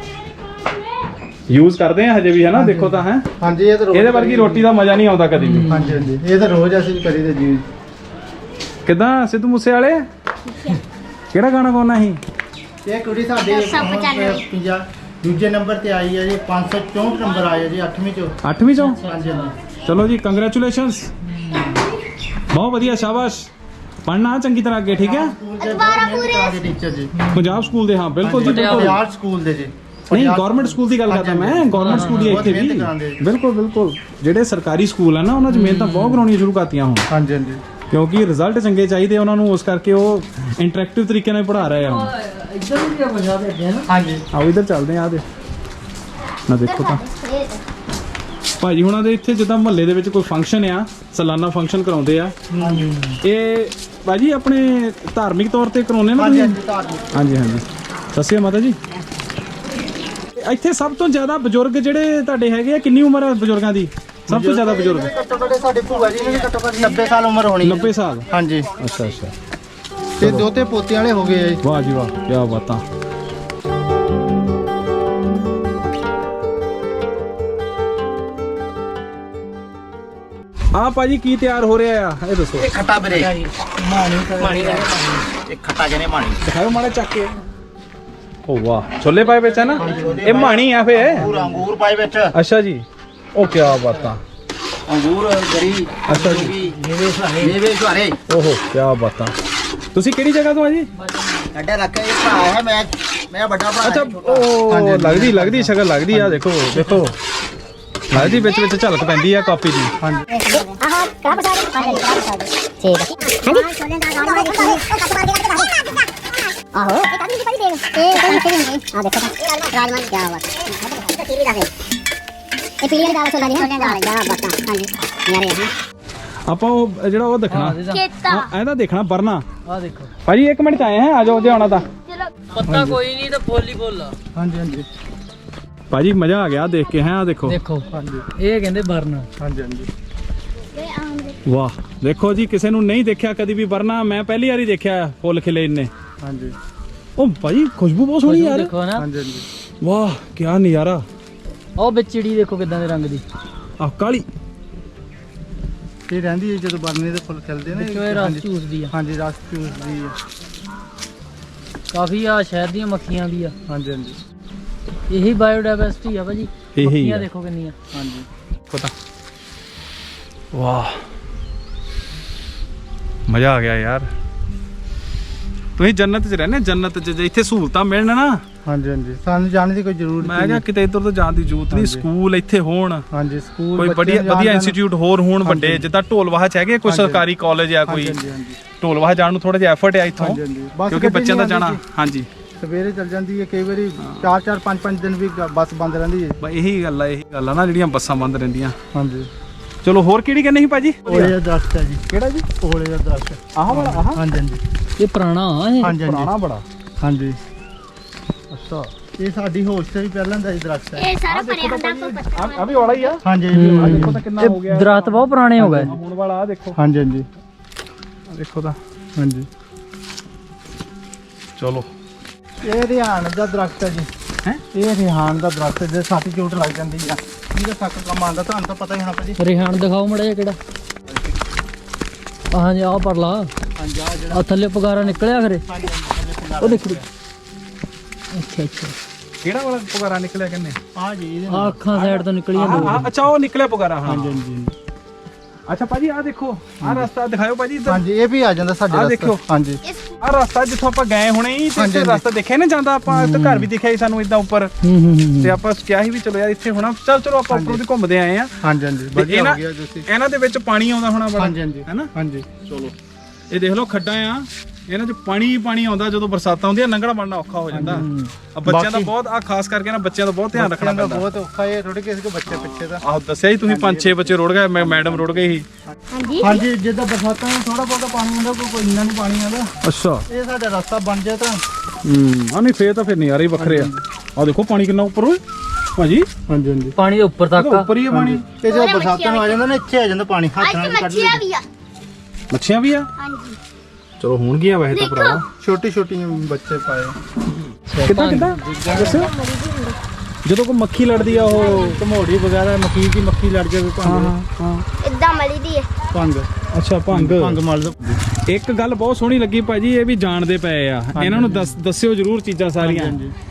ਯੂਜ਼ ਕਰਦੇ ਆ ਹਜੇ ਵੀ, ਹੈ ਨਾ? ਦੇਖੋ ਤਾਂ ਹੈ, ਹਾਂਜੀ ਇਹ ਤਾਂ ਰੋਜ਼ ਇਹਦੇ ਵਰਗੀ ਰੋਟੀ ਦਾ ਮਜ਼ਾ ਨਹੀਂ ਆਉਂਦਾ ਕਦੀ ਵੀ। ਹਾਂਜੀ ਹਾਂਜੀ ਇਹ ਤਾਂ ਰੋਜ਼ ਅਸੀਂ ਕਰੀਦੇ ਜੀ। ਕਿਦਾਂ ਸਿੱਧੂ ਮੂਸੇ ਵਾਲੇ? ਕਿਹੜਾ ਗਾਣਾ ਗਾਉਣਾ ਸੀ? ਇਹ ਕੁੜੀ ਸਾਡੇ 50 ਦੂਜੇ ਨੰਬਰ ਤੇ ਆਈ ਹੈ ਜੀ। 564 ਨੰਬਰ ਆਇਆ ਜੀ 8ਵੀਂ ਚੋਂ। 8ਵੀਂ ਚੋਂ? ਹਾਂਜੀ ਹਾਂਜੀ ਚਲੋ ਜੀ, ਕੰਗ੍ਰੈਚੁਲੇਸ਼ਨਸ। ਬਹੁਤ ਵਧੀਆ, ਸ਼ਾਬਾਸ਼। ਪੜ੍ਹਨਾ ਚੰਗੀ ਤਰ੍ਹਾਂ ਅੱਗੇ, ਠੀਕ ਹੈ? ਦੁਬਾਰਾ ਪੂਰੇ ਟੀਚਰ ਜੀ। ਪੰਜਾਬ ਸਕੂਲ ਦੇ, ਹਾਂ ਬਿਲਕੁਲ ਜੀ ਬਿਲਕੁਲ। ਪੰਜਾਬ ਸਕੂਲ ਦੇ ਜੀ। ਨਹੀਂ, ਗਵਰਨਮੈਂਟ ਸਕੂਲ ਦੀ ਗੱਲ ਕਰਦਾ ਮੈਂ। ਗਵਰਨਮੈਂਟ ਸਕੂਲ ਦੀ ਇੱਥੇ ਵੀ ਬਿਲਕੁਲ ਬਿਲਕੁਲ। ਜਿਹੜੇ ਸਰਕਾਰੀ ਸਕੂਲ ਆ ਨਾ, ਉਹਨਾਂ 'ਚ ਮਿਹਨਤਾਂ ਬਹੁਤ ਕਰਾਉਣੀਆਂ ਸ਼ੁਰੂ ਕਰਤੀਆਂ ਹੁਣ, ਹਾਂਜੀ ਹਾਂਜੀ ਕਿਉਂਕਿ ਰਿਜ਼ਲਟ ਚੰਗੇ ਚਾਹੀਦੇ ਉਹਨਾਂ ਨੂੰ। ਉਸ ਕਰਕੇ ਉਹ ਇੰਟਰੈਕਟਿਵ ਤਰੀਕੇ ਨਾਲ ਪੜ੍ਹਾ ਰਹੇ ਆ ਹੁਣ। ਇੱਧਰ ਵੀ ਆ ਪੰਜਾਬ ਦੇ ਅੱਗੇ ਨਾ। ਹਾਂਜੀ ਆਓ ਇੱਧਰ ਚੱਲਦੇ ਆ। ਦੇ ਨਾ ਦੇਖੋ ਤਾਂ ਭਾਜੀ ਹੁਣਾਂ ਦੇ ਇੱਥੇ ਜਿੱਦਾਂ ਮਹੱਲੇ ਦੇ ਵਿੱਚ ਕੋਈ ਫੰਕਸ਼ਨ ਆ, ਸਾਲਾਨਾ ਫੰਕਸ਼ਨ ਕਰਾਉਂਦੇ ਆ। ਇਹ ਭਾਜੀ ਆਪਣੇ ਧਾਰਮਿਕ ਤੌਰ ਤੇ ਕਰਾਉਂਦੇ ਨਾ ਤੁਸੀਂ? ਹਾਂਜੀ ਹਾਂਜੀ। ਸਤਿ ਸ਼੍ਰੀ ਅਕਾਲ ਮਾਤਾ ਜੀ। ਇੱਥੇ ਸਭ ਤੋਂ ਜ਼ਿਆਦਾ ਬਜ਼ੁਰਗ ਜਿਹੜੇ ਤੁਹਾਡੇ ਹੈਗੇ ਆ, ਕਿੰਨੀ ਉਮਰ ਹੈ ਬਜ਼ੁਰਗਾਂ ਦੀ? ਸਭ ਤੋਂ ਜ਼ਿਆਦਾ ਬਜ਼ੁਰਗ ਘੱਟੋ ਘੱਟ ਸਾਡੇ ਭੂਆ ਜੀ ਨੇ ਘੱਟੋ ਘੱਟ 90 ਸਾਲ ਉਮਰ ਹੋਣੀ। 90 ਸਾਲ? ਹਾਂਜੀ। ਅੱਛਾ ਅੱਛਾ। ਤੇ ਦੋਤੇ ਪੋਤੇ ਵਾਲੇ ਹੋ ਗਏ ਆ ਜੀ। ਵਾਹ ਜੀ ਵਾਹ, ਕੀ ਬਾਤਾਂ। ਆ ਭਾਜੀ ਕੀ ਤਿਆਰ ਹੋ ਰਿਹਾ ਆ ਇਹ ਦੱਸੋ। ਇਹ ਖੱਟਾ ਵੀਰੇ ਮਾਣੀ ਇਹ ਖੱਟਾ ਜਨੇ ਮਾਣੀ ਦਿਖਾਓ ਮਾੜਾ ਚੱਕ ਕੇ। ਓ ਵਾਹ ਛੋਲੇ ਪਾਏ ਵਿੱਚ ਹੈ ਨਾ, ਇਹ ਮਾਣੀ ਆ ਫੇ। ਅੰਗੂਰ ਪਾਏ ਵਿੱਚ। ਅੱਛਾ ਜੀ, ਉਹ ਕੀ ਬਾਤਾਂ। ਅੰਗੂਰ ਗਰੀ ਅੱਛਾ ਜੀ, ਮੇਵੇ ਸੁਹਾਰੇ। ਓਹੋ ਕੀ ਬਾਤਾਂ। ਤੁਸੀਂ ਕਿਹੜੀ ਜਗ੍ਹਾ ਤੋਂ ਆ ਜੀ? ਅੱਡੇ ਰੱਖੇ ਇਹ ਭਰਾ ਹੈ ਮੈਂ ਵੱਡਾ ਭਰਾ। ਅੱਛਾ ਉਹ ਲੱਗਦੀ ਸ਼ਕਲ ਲੱਗਦੀ ਆ। ਦੇਖੋ ਲੱਗਦੀ ਵਿੱਚ ਝਲਕ ਪੈਂਦੀ ਆ ਕਾਪੀ ਦੀ। ਆਹੋ ਇਹ ਕਾਹਦੀ ਪਈ ਦੇਖ ਇਹ ਕੋਈ ਨਹੀਂ ਆ ਦੇਖੋ ਰਾਜਮਾਨ ਕੀ ਬਾਤ ਇਹ ਪੀਲੀ ਦਾਲ ਸੋਲਾ ਦੀ ਦਾਲ ਦਾ ਬਤਾ ਹਾਂਜੀ ਯਾਰੇ ਹਾਂ ਆਪਾਂ ਉਹ ਜਿਹੜਾ ਉਹ ਦੇਖਣਾ ਖੇਤਾ ਇਹਦਾ ਦੇਖਣਾ ਵਰਨਾ। ਆ ਦੇਖੋ ਭਾਜੀ 1 ਮਿੰਟ ਚ ਆਏ ਹੈ, ਆ ਜਾਓ ਜੇ ਆਉਣਾ ਤਾਂ। ਪੱਤਾ ਕੋਈ ਨਹੀਂ ਤਾਂ ਫੁੱਲ ਹੀ ਫੁੱਲ ਆ। ਹਾਂਜੀ ਹਾਂਜੀ ਭਾਜੀ ਮਜ਼ਾ ਆ ਗਿਆ ਦੇਖ ਕੇ ਹੈ। ਆ ਦੇਖੋ ਦੇਖੋ ਇਹ ਕਹਿੰਦੇ ਬਰਨ। ਹਾਂਜੀ ਹਾਂਜੀ ਵਾਹ ਦੇਖੋ ਜੀ, ਕਿਸੇ ਨੂੰ ਨਹੀਂ ਦੇਖਿਆ ਕਦੀ ਵੀ ਵਰਨਾ, ਮੈਂ ਪਹਿਲੀ ਵਾਰੀ ਦੇਖਿਆ ਫੁੱਲ ਖਿਲੇ ਇੰਨੇ। ਹਾਂਜੀ ਉਹ ਭਾਜੀ ਖੁਸ਼ਬੂ ਬਹੁਤ ਸੋਹਣੀ ਯਾਰ। ਦੇਖੋ ਨਾ, ਹਾਂਜੀ ਹਾਂਜੀ ਵਾਹ ਕੀ ਨਜ਼ਾਰਾ। ਉਹ ਵਿੱਚ ਚਿੜੀ ਦੇਖੋ ਕਿਦਾਂ ਦੇ ਰੰਗ ਦੀ। ਆ ਕਾਲੀ ਇਹ ਰਹਿੰਦੀ ਹੈ ਜਦੋਂ ਬਰਨੇ ਦੇ ਫੁੱਲ ਖਿਲਦੇ ਨੇ। ਦੇਖੋ ਇਹ ਰਸ ਚੂਸਦੀ ਆ। ਹਾਂਜੀ ਰਸ ਚੂਸਦੀ ਹੈ। ਕਾਫੀ ਆ ਸ਼ਹਿਰ ਦੀਆਂ ਮੱਖੀਆਂ ਵੀ ਆ। ਹਾਂਜੀ ਹਾਂਜੀ ਇਹੀ ਬਾਇਓਡਾਇਵਰਸਿਟੀ ਆ ਭਾਜੀ। ਇਹੀ ਮੱਖੀਆਂ ਆ। ਦੇਖੋ ਕਿੰਨੀਆਂ। ਹਾਂਜੀ ਪਤਾ। ਵਾਹ ਮਜ਼ਾ ਆ ਗਿਆ ਯਾਰ। ਤੁਸੀਂ ਜੰਨਤ 'ਚ ਰਹਿੰਦੇ, ਜੰਨਤ 'ਚ ਜੇ ਇੱਥੇ ਸਹੂਲਤਾਂ ਮਿਲਣ ਨਾ। ਹਾਂਜੀ ਹਾਂਜੀ ਸਾਨੂੰ ਜਾਣ ਦੀ ਕੋਈ ਜ਼ਰੂਰਤ ਮੈਂ ਕਿਹਾ ਕਿਤੇ ਇੱਧਰ ਤੋਂ ਜਾਣ ਦੀ ਜ਼ਰੂਰਤ ਨਹੀਂ। ਸਕੂਲ ਇੱਥੇ ਹੋਣ, ਹਾਂਜੀ ਸਕੂਲ ਕੋਈ ਬੱਚਿਆਂ ਨੂੰ ਵਧੀਆ ਜਾਣ ਇੰਸਟੀਚਿਊਟ ਹੋਰ ਹੋਣ ਵੱਡੇ, ਜਿੱਦਾਂ ਢੋਲਵਾਹ 'ਚ ਹੈਗੇ ਕੋਈ ਸਰਕਾਰੀ ਕਾਲਜ ਆ ਕੋਈ। ਹਾਂਜੀ ਹਾਂਜੀ ਢੋਲਵਾਹ ਜਾਣ ਨੂੰ ਥੋੜਾ ਜਿਹਾ ਐਫਰਟ ਆ ਇੱਥੋਂ, ਹਾਂਜੀ, ਹਾਂਜੀ। ਬੱਸ ਕਿਉਂਕਿ ਗੱਡੀ ਬੱਚਿਆਂ ਦਾ ਨਹੀਂ ਜਾਣਾ। ਆਉਂਦੀ ਹਾਂਜੀ ਸਵੇਰੇ ਚੱਲ ਜਾਂਦੀ ਹੈ, ਕਈ ਵਾਰੀ 4-4 5-5 ਦਿਨ ਵੀ ਬੱਸ ਬੰਦ ਰਹਿੰਦੀ ਹੈ। ਬਸ ਇਹੀ ਗੱਲ ਆ ਨਾ, ਜਿਹੜੀਆਂ ਬੱਸਾਂ ਬੰਦ ਰਹਿੰਦੀਆਂ। ਹਾਂਜੀ ਚਲੋ ਹੋਰ ਕਿਹੜੀ ਕਹਿੰਦੇ ਸੀ ਭਾਜੀ? ਓਲੇ ਦਾ ਦਰਖਤ ਹੈ ਜੀ। ਕਿਹੜਾ ਜੀ? ਓਲੇ ਦਾ ਦਰਖਤ। ਆਹ ਵਾਲਾ? ਆਹ ਹਾਂਜੀ ਹਾਂਜੀ ਇਹ ਪੁਰਾਣਾ ਆ ਇਹ। ਹਾਂਜੀ ਪੁਰਾਣਾ ਬੜਾ। ਹਾਂਜੀ ਅੱਛਾ ਇਹ ਸਾਡੀ ਹੋਸ਼ ਤੇ ਵੀ ਪਹਿਲਾਂ ਦਾ ਹੀ ਦਰਖਤ ਹੈ। ਇਹ ਸਾਰਾ ਭਰਿਆ ਹੁੰਦਾ ਕੋ ਪੱਤਾ ਆ ਵੀ ਵਾਲਾ ਹੀ ਆ। ਹਾਂਜੀ ਆ ਦੇਖੋ ਤਾਂ ਕਿੰਨਾ ਹੋ ਗਿਆ। ਦਰਖਤ ਬਹੁਤ ਪੁਰਾਣੇ ਹੋ ਗਏ। ਹੁਣ ਵਾਲਾ ਆ ਦੇਖੋ। ਹਾਂਜੀ ਹਾਂਜੀ ਆ ਦੇਖੋ ਤਾਂ। ਹਾਂਜੀ ਚਲੋ ਇਹ ਰਿਹਾਨ ਦਾ ਦਰਖਤ ਹੈ ਜੀ। ਹੈਂ? ਇਹ ਰਿਹਾਨ ਦਾ ਦਰਖਤ ਹੈ, ਜੇ ਸਾਥੀ ਚੋਟ ਲੱਗ ਜਾਂਦੀ ਆ ਇਹਦਾ ਸੱਕ ਕੰਮ ਆਉਂਦਾ, ਤੁਹਾਨੂੰ ਤਾਂ ਪਤਾ ਹੀ ਹੋਣਾ ਭਾਜੀ। ਰਿਹਾਨ ਦਿਖਾਓ ਮੜਾ ਜਿਹਾ ਕਿਹੜਾ। ਹਾਂਜੀ ਆਹ ਪਰ ਲਾ। ਹਾਂਜੀ ਆ ਜਿਹੜਾ ਆ ਥੱਲੇ ਪਗਾਰਾ ਨਿਕਲਿਆ ਖਰੇ। ਹਾਂਜੀ ਹਾਂਜੀ ਉਹ ਦੇਖੋ। ਅੱਛਾ ਅੱਛਾ ਕਿਹੜਾ ਵਾਲਾ ਪੁਗਾਰਾ ਨਿਕਲਿਆ ਕਿੰਨੇ? ਆ ਜੀ ਇਹਦੇ ਆ ਅੱਖਾਂ ਸਾਈਡ ਤੋਂ ਨਿਕਲੀਆਂ ਦੋ। ਅੱਛਾ ਉਹ ਨਿਕਲਿਆ ਪੁਗਾਰਾ। ਹਾਂ ਹਾਂਜੀ ਹਾਂਜੀ ਅੱਛਾ ਭਾਜੀ ਆ ਦੇਖੋ, ਆ ਰਸਤਾ ਦਿਖਾਓ ਭਾਜੀ ਇੱਧਰ। ਹਾਂਜੀ ਇਹ ਵੀ ਆ ਜਾਂਦਾ ਸਾਡੇ ਆਹ ਰਸਤੇ। ਦੇਖਿਓ। ਹਾਂਜੀ ਆ ਰਸਤਾ ਜਿੱਥੋਂ ਆਪਾਂ ਗਏ ਹੁਣੇ ਹੀ, ਤੇ ਹਾਂਜੀ, ਇੱਥੇ ਰਸਤਾ ਦੇਖਿਆ ਨਾ ਜਾਂਦਾ। ਆਪਾਂ ਇੱਥੇ ਘਰ ਵੀ ਦਿਖਿਆ ਸੀ ਸਾਨੂੰ ਇਦਾਂ ਉੱਪਰ, ਤੇ ਆਪਾਂ ਕਿਹਾ ਸੀ ਵੀ ਚਲੋ ਯਾਰ ਇੱਥੇ ਹੋਣਾ। ਚਲੋ ਆਪਾਂ ਉੱਪਰੋਂ ਦੀ ਘੁੰਮਦੇ ਆਏ ਆ। ਹਾਂਜੀ ਹਾਂਜੀ ਵਧੀਆ ਹੋ ਗਿਆ ਤੁਸੀਂ। ਇਹਨਾਂ ਦੇ ਵਿੱਚ ਪਾਣੀ ਆਉਂਦਾ ਹੋਣਾ ਬੜਾ, ਹਾਂਜੀ ਹਾਂਜੀ ਹੈਨਾ? ਹਾਂਜੀ ਚਲੋ ਇਹ ਦੇਖ ਲਓ ਖੱਡਾਂ ਆ, ਇਹਨਾਂ 'ਚ ਪਾਣੀ ਹੀ ਪਾਣੀ ਆਉਂਦਾ। ਜਦੋਂ ਬਰਸਾਤਾਂ ਹੁੰਦੀਆਂ ਲੰਘਣਾ ਬਣਨਾ ਔਖਾ ਹੋ ਜਾਂਦਾ। ਆ ਬੱਚਿਆਂ ਦਾ ਬਹੁਤ, ਆ ਖਾਸ ਕਰਕੇ ਨਾ ਬੱਚਿਆਂ ਦਾ ਬਹੁਤ ਧਿਆਨ ਰੱਖਣਾ ਬੱਚਿਆਂ ਦਾ ਪੈਂਦਾ। ਬਹੁਤ ਔਖਾ ਹੈ, ਥੋੜੇ ਕਿਸੇ ਕੋ ਬੱਚੇ ਪਿੱਛੇ ਦਾ। ਆਹ ਦੱਸਿਆ ਹੀ ਤੁਸੀਂ 5-6 ਬੱਚੇ ਰੁੜ ਗਏ, ਮੈਡਮ ਰੁੜ ਗਈ ਸੀ। ਹਾਂਜੀ ਹਾਂਜੀ ਜਿੱਦਾਂ ਬਰਸਾਤਾਂ ਨੂੰ ਥੋੜਾ ਬਹੁਤਾ ਪਾਣੀ ਆਉਂਦਾ, ਕੋਈ ਇੰਨਾ ਨਹੀਂ ਪਾਣੀ ਆਉਂਦਾ। ਅੱਛਾ ਇਹ ਸਾਡਾ ਰਸਤਾ ਬਣ ਜਾਏ ਤਾਂ ਆ ਨਹੀਂ ਫੇਰ ਤਾਂ ਫਿਰ ਨਜ਼ਾਰੇ ਹੀ ਵੱਖਰੇ ਆ। ਆ ਦੇਖੋ ਪਾਣੀ ਕਿੰਨਾ ਉੱਪਰ ਓਏ ਭਾਜੀ, ਹਾਂਜੀ ਹਾਂਜੀ ਪਾਣੀ ਦੇ ਉੱਪਰ ਤੱਕ ਆ। ਉੱਪਰ ਹੀ ਆ ਪਾਣੀ। ਤੇ ਜਦੋਂ ਬਰਸਾਤਾਂ ਨੂੰ ਆ ਜਾਂਦਾ ਨਾ, ਇੱਥੇ ਆ ਜਾਂਦਾ ਪਾਣੀ, ਹੱਥ ਨਾਲ ਵੀ ਕੱਢ ਮੱਛੀਆਂ ਲਈ। ਵੀ ਆ ਮੱਛੀਆਂ ਵੀ ਆ। ਹਾਂਜੀ ਚਲੋ ਹੋਣਗੀਆਂ ਵੈਸੇ ਤਾਂ ਭਰਾ। ਛੋਟੀ ਛੋਟੀ ਬੱਚੇ ਪਾਏ। ਕਿੱਦਾਂ ਦੱਸੋ। ਜਦੋਂ ਕੋਈ ਮੱਖੀ ਲੜਦੀ ਆ, ਉਹ ਘਮੋੜੀ ਵਗੈਰਾ ਮੱਕੀ ਦੀ ਮੱਖੀ ਲੜ ਜਾਵੇ ਭੰਗ। ਇਦਾਂ ਮਲੀ ਦੀ ਹੈ ਭੰਗ ਅੱਛਾ ਭੰਗ ਮਲ ਦੋ। ਇੱਕ ਗੱਲ ਬਹੁਤ ਸੋਹਣੀ ਲੱਗੀ ਭਾਜੀ, ਇਹ ਵੀ ਜਾਣਦੇ ਪਏ ਆ। ਇਹਨਾਂ ਨੂੰ ਦੱਸਿਓ ਜਰੂਰ ਚੀਜ਼ਾਂ ਸਾਰੀਆਂ।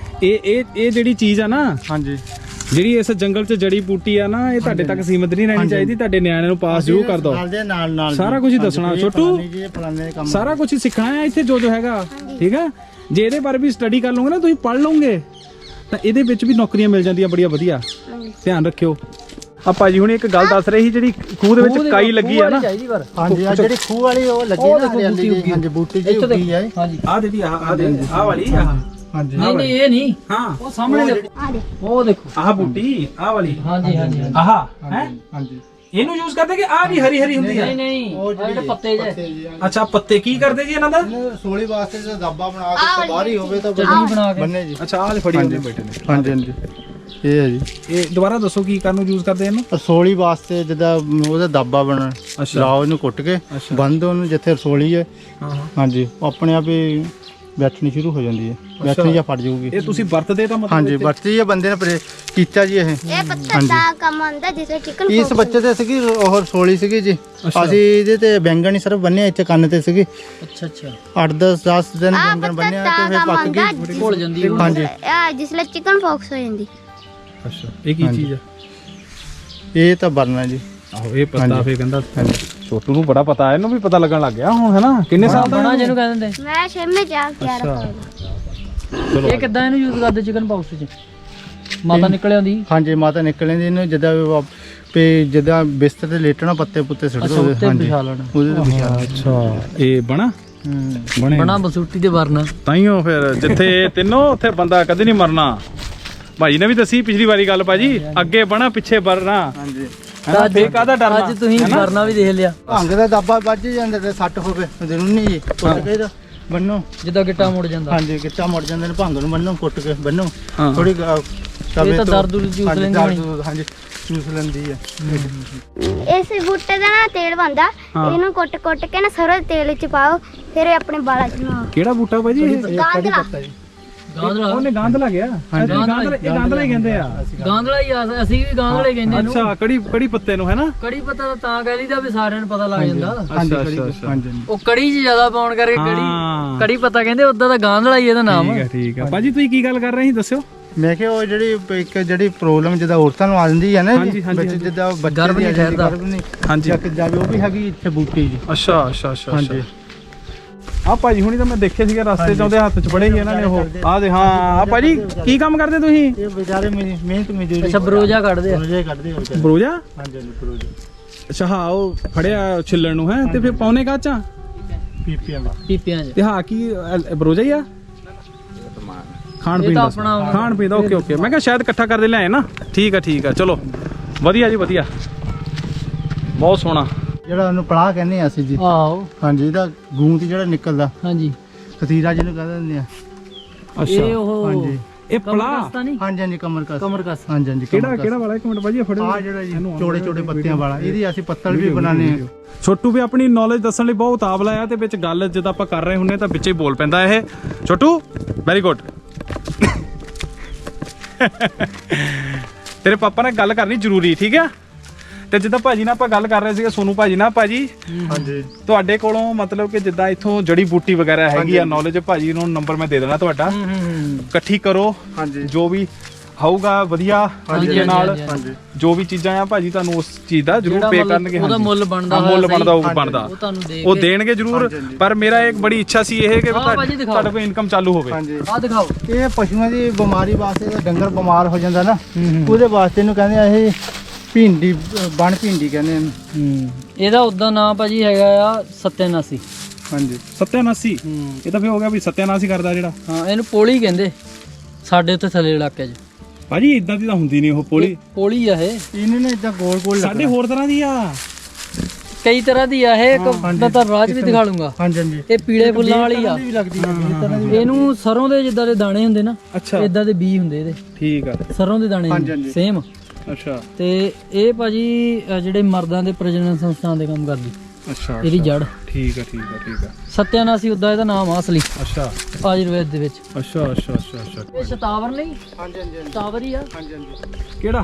ਇਹ ਜਿਹੜੀ ਚੀਜ਼ ਆ ਨਾ, ਹਾਂਜੀ ਜਿਹੜੀ ਇਸ ਜੰਗਲ 'ਚ ਜੜੀ ਬੂਟੀ ਆ ਨਾ, ਇਹ ਤੁਹਾਡੇ ਤੱਕ ਸੀਮਿਤ ਨਹੀਂ ਰਹਿਣੀ ਚਾਹੀਦੀ। ਤੁਹਾਡੇ ਨਿਆਣਿਆਂ ਨੂੰ ਪਾਸ ਜ਼ਰੂਰ ਕਰ ਦਿਓ। ਨਾਲ ਨਾਲ ਸਾਰਾ ਕੁਝ ਹੀ ਦੱਸਣਾ ਛੋਟੂ, ਕੰਮ ਸਾਰਾ ਕੁਝ ਹੀ ਸਿੱਖਣਾ ਹੈ ਇੱਥੇ ਜੋ ਹੈਗਾ। ਠੀਕ ਹੈ, ਜੇ ਇਹਦੇ ਬਾਰੇ ਵੀ ਸਟੱਡੀ ਕਰ ਲਓਗੇ ਨਾ, ਤੁਸੀਂ ਪੜ੍ਹ ਲਓਗੇ ਤਾਂ ਇਹਦੇ ਵਿੱਚ ਵੀ ਨੌਕਰੀਆਂ ਮਿਲ ਜਾਂਦੀਆਂ ਬੜੀਆਂ ਵਧੀਆ। ਧਿਆਨ ਰੱਖਿਓ। ਆ ਭਾਜੀ ਹੁਣ ਇੱਕ ਗੱਲ ਦੱਸ ਰਹੇ ਸੀ, ਜਿਹੜੀ ਖੂਹ ਦੇ ਵਿੱਚ ਕਾਈ ਲੱਗੀ ਆ ਨਾ। ਹਾਂਜੀ ਆ ਜਿਹੜੀ ਖੂਹ ਵਾਲੀ ਉਹ ਲੱਗੀ ਨਾ ਹਰਿਆਲੀ ਦੀ। ਹਾਂਜੀ ਬੂਟੀ ਜੀ ਉੱਗੀ ਹੈ। ਹਾਂਜੀ ਆ ਦੀਦੀ ਆ ਵਾਲੀ ਹਾਂਜੀ ਨਹੀਂ ਨਹੀਂ ਇਹ ਨਹੀਂ, ਹਾਂ ਉਹ ਸਾਹਮਣੇ ਦੇਖੋ। ਆ ਦੇ ਉਹ ਦੇਖੋ। ਆਹ ਬੂਟੀ ਆਹ ਵਾਲੀ। ਹਾਂਜੀ ਹਾਂਜੀ ਆਹ ਹੈ ਹਾਂਜੀ ਇਹਨੂੰ ਯੂਜ਼ ਕਰਦੇ ਕਿ ਆਹ ਵੀ ਹਰੀ ਹਰੀ ਹੁੰਦੀ ਆ? ਨਹੀਂ ਨਹੀਂ ਉਹ ਜਿਹੜੇ ਪੱਤੇ ਜੇ। ਅੱਛਾ ਪੱਤੇ ਕੀ ਕਰਦੇ ਜੀ ਇਹਨਾਂ ਦਾ? ਰਸੋਲੀ ਵਾਸਤੇ ਜੇ ਦਾਬਾ ਬਣਾ ਕੇ ਬਾਹਰ ਹੀ ਹੋਵੇ ਤਾਂ ਚਟਨੀ ਬਣਾ ਕੇ ਬੰਨੇ ਜੀ। ਅੱਛਾ ਆਹ ਫੜੀ ਹੁੰਦੇ ਬੈਠੇ ਨੇ। ਹਾਂਜੀ ਹਾਂਜੀ ਇਹ ਹੈ ਜੀ। ਇਹ ਦੁਬਾਰਾ ਦੱਸੋ ਕੀ ਕਰਨ ਨੂੰ ਯੂਜ਼ ਕਰਦੇ ਇਹਨੂੰ? ਰਸੋਲੀ ਵਾਸਤੇ ਜਿੱਦਾਂ ਉਹਦਾ ਦਾਬਾ ਬਣਨ, ਲਾਓ ਇਹਨੂੰ ਕੁੱਟ ਕੇ ਬੰਦ ਉਹਨੂੰ ਜਿੱਥੇ ਰਸੋਲੀ ਹੈ। ਹਾਂ ਹਾਂਜੀ ਉਹ ਆਪਣੇ ਆਪ ਹੀ ਬੈਠਣੀ ਸ਼ੁਰੂ ਹੋ ਜਾਂਦੀ ਹੈ, ਬੈਠਣੀ ਜਾਂ ਫਟ ਜਾਊਗੀ। ਇਹ ਤੁਸੀਂ ਵਰਤਦੇ ਤਾਂ ਮਤਲਬ ਹਾਂਜੀ ਵਰਤੀ ਇਹ ਬੰਦੇ ਨੇ ਕੀਤਾ ਜੀ ਇਹ। ਇਹ ਪੱਤਾ ਦਾ ਕੰਮ ਆਉਂਦਾ ਜਿਵੇਂ ਚਿਕਨ ਇਸ ਬੱਚੇ ਤੇ ਸੀਗੀ ਉਹ ਰਸੋਲੀ ਸੀਗੀ ਜੀ, ਅਸੀਂ ਇਹਦੇ ਤੇ ਬੈਂਗਣ ਹੀ ਸਿਰਫ ਬੰਨਿਆ ਇੱਥੇ ਕੰਨ ਤੇ ਸੀਗੀ। ਅੱਛਾ ਅੱਛਾ 8-10 ਦਿਨ ਬੈਂਗਣ ਬੰਨਿਆ ਤੇ ਫਿਰ ਪੱਕ ਗਈ। ਭੁੱਲ ਜਾਂਦੀ ਉਹ। ਹਾਂਜੀ ਜਿਸਲੇ ਚਿਕਨ ਫੌਕਸ ਹੋ ਜਾਂਦੀ। ਅੱਛਾ ਇਹ ਕੀ ਚੀਜ਼ ਆ? ਇਹ ਤਾਂ ਬਰਨਾ ਜੀ। ਆਹੋ ਇਹ ਪਤਾ ਫੇ ਕਹਿੰਦਾ ਛੋਟੂ ਨੂੰ ਬੜਾ ਪਤਾ, ਇਹਨੂੰ ਵੀ ਪਤਾ ਲੱਗਣ ਲੱਗ ਗਿਆ ਹੁਣ, ਹੈ ਨਾ? ਕਿੰਨੇ ਸਾਲ ਦਾ ਬਣਾ ਜਿਹਨੂੰ ਕਹਿੰਦੇ ਮੈਂ 6ਵੇਂ ਜਾ ਕੇ ਆ ਰਿਹਾ। ਚਲੋ ਇਹ ਕਿੱਦਾਂ ਇਹਨੂੰ ਯੂਜ਼ ਕਰਦੇ ਚਿਕਨ ਪਾਕਸ 'ਚ? ਮਾਤਾ ਨਿਕਲ ਆਉਂਦੀ। ਹਾਂਜੀ ਮਾਤਾ ਨਿਕਲ ਜਾਂਦੀ ਇਹਨੂੰ ਜਿੱਦਾਂ ਬਿਸਤਰ ਤੇ ਲੇਟਣਾ, ਪੱਤੇ ਪੁੱਤੇ ਸੁੱਟ ਦੋ। ਉੱਤੇ ਵਿਛਾ ਲੈਣਾ। ਉਹਦੇ ਤੇ ਵਿਛਾ ਲੈਣਾ। ਅੱਛਾ ਇਹ ਬਣਾ ਬਣੇ ਬਣਾ ਬਸੂਟੀ ਤੇ ਵਰਨਾ। ਤਾਈਓ ਫਿਰ ਜਿੱਥੇ ਤਿੰਨੋਂ ਉੱਥੇ ਬੰਦਾ ਕਦੇ ਨਹੀਂ ਮਰਨਾ। ਭਾਜੀ ਨੇ ਵੀ ਦੱਸੀ ਪਿਛਲੀ ਵਾਰੀ ਗੱਲ, ਭਾਜੀ ਅੱਗੇ ਬਣਾ ਪਿੱਛੇ ਵਰਨਾ। ਹਾਂਜੀ ਹੈ ਫੇਰ ਕਾਹਦਾ ਡਰਨਾ? ਅੱਜ ਤੁਸੀਂ ਵਰਨਾ ਵੀ ਦੇਖ ਲਿਆ। ਭੰਗ ਦਾ ਦਾਬਾ ਵੱਜ ਜਾਂਦਾ ਤੇ ਸੱਟ ਹੋਵੇ ਜ਼ਰੂਰ ਨਹੀਂ ਜੀ, ਕੁੱਟ ਕੇ ਇਹਦਾ ਬੰਨੋ। ਜਿੱਦਾਂ ਗਿੱਟਾ ਮੁੜ ਜਾਂਦਾ। ਹਾਂਜੀ ਗਿੱਟਾ ਮੁੜ ਜਾਂਦੇ ਨੇ, ਭੰਗ ਨੂੰ ਬੰਨੋ, ਕੁੱਟ ਕੇ ਬੰਨੋ ਹਾਂ। ਥੋੜੀ ਇਹ ਤਾਂ ਦਰਦ ਚੂਸ ਲੈਂਦੀ ਹੋਣੀ। ਹਾਂਜੀ ਚੂਸ ਲੈਂਦੀ ਹੈ। ਇਸ ਬੂਟੇ ਦਾ ਨਾ ਤੇਲ ਬਣਦਾ, ਇਹਨੂੰ ਕੁੱਟ ਕੇ ਨਾ ਸਰੋਂ ਦੇ ਤੇਲ ਵਿੱਚ ਪਾਓ, ਫਿਰ ਇਹ ਆਪਣੇ ਵਾਲਾਂ 'ਚ ਲਾਓ। ਕਿਹੜਾ ਬੂਟਾ ਭਾਜੀ ਇਹ? ਗਾਂਧਲਾ। ਗਾਂਧਲਾ। ਉਹਨੇ ਗਾਂਧਲਾ ਗਿਆ। ਇਹ ਗਾਂਧਲਾ ਹੀ ਕਹਿੰਦੇ ਆ। ਗਾਂਧਲਾ ਹੀ ਆ, ਅਸੀਂ ਵੀ ਗਾਂਧਲੇ ਕਹਿੰਦੇ ਇਹਨੂੰ। ਅੱਛਾ ਕੜੀ ਪੱਤੇ ਨੂੰ, ਹੈ ਨਾ? ਕੜੀ ਪਤਾ ਤਾਂ ਕਹਿ ਲਈਦਾ ਵੀ ਸਾਰਿਆਂ ਨੂੰ ਪਤਾ ਲੱਗ ਜਾਂਦਾ। ਅੱਛਾ ਅੱਛਾ ਹਾਂਜੀ ਉਹ ਕੜੀ 'ਚ ਜ਼ਿਆਦਾ ਪਾਉਣ ਕਰਕੇ ਕੜੀ ਪਤਾ ਕਹਿੰਦੇ, ਉਦਾਂ ਤਾਂ ਗਾਂਧਲਾ ਹੀ ਇਹਦਾ ਨਾਮ। ਠੀਕ ਹੈ ਭਾਜੀ, ਤੁਸੀਂ ਕੀ ਗੱਲ ਕਰ ਰਹੇ ਸੀ ਦੱਸਿਓ। ਮੈਂ ਕਿਹਾ ਉਹ ਜਿਹੜੀ ਪ੍ਰੋਬਲਮ ਜਿੱਦਾਂ ਔਰਤਾਂ ਨੂੰ ਆ ਜਾਂਦੀ ਹੈ ਨਾ ਜੀ, ਬੱਚੇ ਜਿੱਦਾਂ ਗਰਭ ਨਹੀਂ ਠਹਿਰਦਾ। ਹਾਂਜੀ ਚੱਕ ਜਾਵੇ, ਉਹ ਵੀ ਹੈਗੀ ਇੱਥੇ ਬੂਟੀ ਜੀ। ਅੱਛਾ ਅੱਛਾ ਅੱਛਾ ਹਾਂਜੀ ਆ ਭਾਜੀ ਹੁਣੀ ਤਾਂ ਮੈਂ ਦੇਖੇ ਸੀਗੇ ਰਸਤੇ 'ਚ, ਉਹਦੇ ਹੱਥ 'ਚ ਫੜੇ ਸੀ ਇਹਨਾਂ ਨੇ ਉਹ। ਆ ਦੇ ਹਾਂ। ਆ ਭਾਜੀ ਕੀ ਕੰਮ ਕਰਦੇ ਤੁਸੀਂ? ਇਹ ਵਿਚਾਰੇ ਮਿਹਨਤ ਮਜ਼ਦੂਰੀ। ਅੱਛਾ ਬਰੋਜਾ ਕੱਢਦੇ ਆ। ਬਰੋਜਾ ਕੱਢਦੇ ਆ ਵਿਚਾਰੇ। ਬਰੋਜਾ? ਹਾਂਜੀ ਹਾਂਜੀ ਬਰੋਜਾ। ਅੱਛਾ ਹਾਂ ਉਹ ਫੜਿਆ ਛਿੱਲਣ ਨੂੰ, ਹੈ ਤੇ ਫਿਰ ਪਾਉਨੇ ਕਾਚਾਂ ਪੀਪੀਆਂ ਦਾ। ਪੀਪਿਆਂ 'ਚ। ਤੇ ਹਾਂ ਕੀ ਬਰੋਜਾ ਹੀ ਆ? ਖਾਣ ਪੀਣ ਦਾ ਖਾਣ ਪੀਣ ਦਾ। ਓਕੇ ਓਕੇ, ਮੈਂ ਕਿਹਾ ਸ਼ਾਇਦ ਇਕੱਠਾ ਕਰਦੇ ਲਿਆਏ ਨਾ। ਠੀਕ ਆ ਚਲੋ ਵਧੀਆ ਜੀ, ਵਧੀਆ ਬਹੁਤ ਸੋਹਣਾ। ਜਿਹੜਾ ਉਹਨੂੰ ਪਲਾਹ ਕਹਿੰਦੇ ਆ ਅਸੀਂ ਜੀ। ਆਹੋ ਹਾਂਜੀ ਇਹਦਾ ਗੂੰਦ ਜਿਹੜਾ ਨਿਕਲਦਾ, ਹਾਂਜੀ। ਖਤੀਰਾ ਜਿਹਨੂੰ ਕਹਿ ਦਿੰਦੇ ਆ। ਇਹ ਉਹ ਹਾਂਜੀ ਇਹ ਪਲਾਹ? ਨਹੀਂ ਹਾਂਜੀ ਹਾਂਜੀ ਕਮਰਕਸ। ਕਮਰਕਸ। ਹਾਂਜੀ ਹਾਂਜੀ ਕਿਹੜਾ ਵਾਲਾ? ਇੱਕ ਮਿੰਟ ਭਾਜੀ ਫੜੋ। ਆ ਜਿਹੜਾ ਜੀ ਚੋੜੇ ਪੱਤਿਆਂ ਵਾਲਾ, ਇਹਦੀ ਅਸੀਂ ਪੱਤਲ ਵੀ ਬਣਾਉਂਦੇ ਆ। ਛੋਟੂ ਵੀ ਆਪਣੀ ਨੌਲੇਜ ਦੱਸਣ ਲਈ ਬਹੁਤ ਉਤਾਵਲਾ ਆ, ਤੇ ਵਿੱਚ ਗੱਲ ਜਦੋਂ ਆਪਾਂ ਕਰ ਰਹੇ ਹੁੰਨੇ ਤਾਂ ਵਿੱਚੇ ਹੀ ਬੋਲ ਪੈਂਦਾ ਇਹ। Chhotu very good. ਤੇਰੇ ਪਾਪਾ ਨਾਲ ਗੱਲ ਕਰਨੀ ਜ਼ਰੂਰੀ, ਠੀਕ ਆ? ਤੇ ਜਿੱਦਾਂ ਭਾਜੀ ਨਾਲ ਆਪਾਂ ਗੱਲ ਕਰ ਰਹੇ ਸੀਗੇ, ਸੋਨੂ ਭਾਜੀ ਨਾਲ। ਭਾਜੀ ਹਾਂਜੀ ਤੁਹਾਡੇ ਕੋਲੋਂ ਮਤਲਬ ਕਿ ਜਿੱਦਾਂ ਇੱਥੋਂ ਜੜੀ ਬੂਟੀ ਵਗੈਰਾ ਹੈਗੀ ਆ ਨੌਲੇਜ, ਭਾਜੀ ਨੂੰ ਨੰਬਰ ਮੈਂ ਦੇ ਦੇਣਾ ਤੁਹਾਡਾ, ਇਕੱਠੀ ਕਰੋ। ਹਾਂਜੀ ਜੋ ਵੀ ਹੋਊਗਾ ਵਧੀਆ ਤਰੀਕੇ ਨਾਲ, ਜੋ ਵੀ ਚੀਜ਼ਾਂ ਆ ਭਾਜੀ ਤੁਹਾਨੂੰ ਉਸ ਚੀਜ਼ ਦਾ ਜ਼ਰੂਰ ਪੇ ਕਰਨਗੇ। ਉਹਦਾ ਮੁੱਲ ਬਣਦਾ ਉਹ ਬਣਦਾ, ਉਹ ਤੁਹਾਨੂੰ ਦੇ ਉਹ ਦੇਣਗੇ ਜ਼ਰੂਰ। ਪਰ ਮੇਰਾ ਇੱਕ ਬੜੀ ਇੱਛਾ ਸੀ ਇਹ ਕਿ ਤੁਹਾਡੇ ਕੋਲ ਇਨਕਮ ਚਾਲੂ ਹੋਵੇ। ਹਾਂਜੀ ਆ ਦਿਖਾਓ। ਇਹ ਪਸ਼ੂਆਂ ਦੀ ਬਿਮਾਰੀ ਵਾਸਤੇ, ਡੰਗਰ ਬਿਮਾਰ ਹੋ ਜਾਂਦਾ ਨਾ, ਉਹਦੇ ਵਾਸਤੇ ਇਹਨੂੰ ਕਹਿੰਦੇ ਆ ਇਹ ਭਿੰਡੀ, ਬਣ ਭਿੰਡੀ ਕਹਿੰਦੇ ਆ। ਇਹਦਾ ਉਦਾਂ ਨਾਮ ਭਾਜੀ ਹੈਗਾ ਆ ਸਤਿਆਨਾਸੀ। ਹਾਂਜੀ ਸਤਿਆਨਾਸੀ। ਇਹ ਤਾਂ ਫੇ ਹੋ ਗਿਆ ਵੀ ਸਤਿਆਨਾਸੀ ਕਰਦਾ ਜਿਹੜਾ। ਹਾਂ ਇਹਨੂੰ ਪੋਲੀ ਕਹਿੰਦੇ ਸਾਡੇ ਉੱਥੇ ਥੱਲੇ ਇਲਾਕੇ 'ਚ। ਭਾਜੀ ਇਦਾਂ ਦੀ ਤਾਂ ਹੁੰਦੀ ਨਹੀਂ ਉਹ ਪੋਲੀ। ਪੋਲੀ ਆ ਇਹ। ਇਹਨੇ ਨਾ ਇਦਾਂ ਗੋਲ ਗੋਲ ਸਾਡੇ ਹੋਰ ਤਰ੍ਹਾਂ ਦੀ ਆ, ਕਈ ਤਰ੍ਹਾਂ ਦੀ ਆ ਇਹ। ਮੈਂ ਤਾਂ ਰਾਜ ਵੀ ਦਿਖਾ ਲੂੰਗਾ। ਹਾਂਜੀ ਹਾਂਜੀ ਇਹ ਪੀਲੇ ਫੁੱਲਾਂ ਵਾਲੀ ਆ। ਵੀ ਲੱਗਦੀ ਹੈ। ਇਹਨੂੰ ਸਰੋਂ ਦੇ ਜਿੱਦਾਂ ਦੇ ਦਾਣੇ ਹੁੰਦੇ ਨਾ, ਅੱਛਾ ਇਦਾਂ ਦੇ ਬੀਜ ਹੁੰਦੇ ਇਹਦੇ। ਠੀਕ ਆ। ਸਰੋਂ ਦੇ ਦਾਣੇ ਸੇਮ। ਅੱਛਾ ਤੇ ਇਹ ਭਾਜੀ ਜਿਹੜੇ ਮਰਦਾਂ ਦੇ ਪ੍ਰਜਨਨ ਸੰਸਥਾਨ ਦੇ ਕੰਮ ਕਰਦੀ। ਅੱਛਾ ਇਹਦੀ ਜੜ। ਠੀਕ ਆ। ਸਤਿਆਨਾਸੀ ਉਦਾਂ ਇਹਦਾ ਨਾਮ ਆ ਅਸਲੀ ਅੱਛਾ ਆਯੁਰਵੇਦ ਦੇ ਵਿੱਚ। ਅੱਛਾ ਇਹ ਸ਼ਤਾਵਰ ਨਹੀਂ? ਹਾਂਜੀ ਹਾਂਜੀ ਸ਼ਤਾਵਰ ਹੀ ਆ। ਹਾਂਜੀ ਹਾਂਜੀ ਕਿਹੜਾ?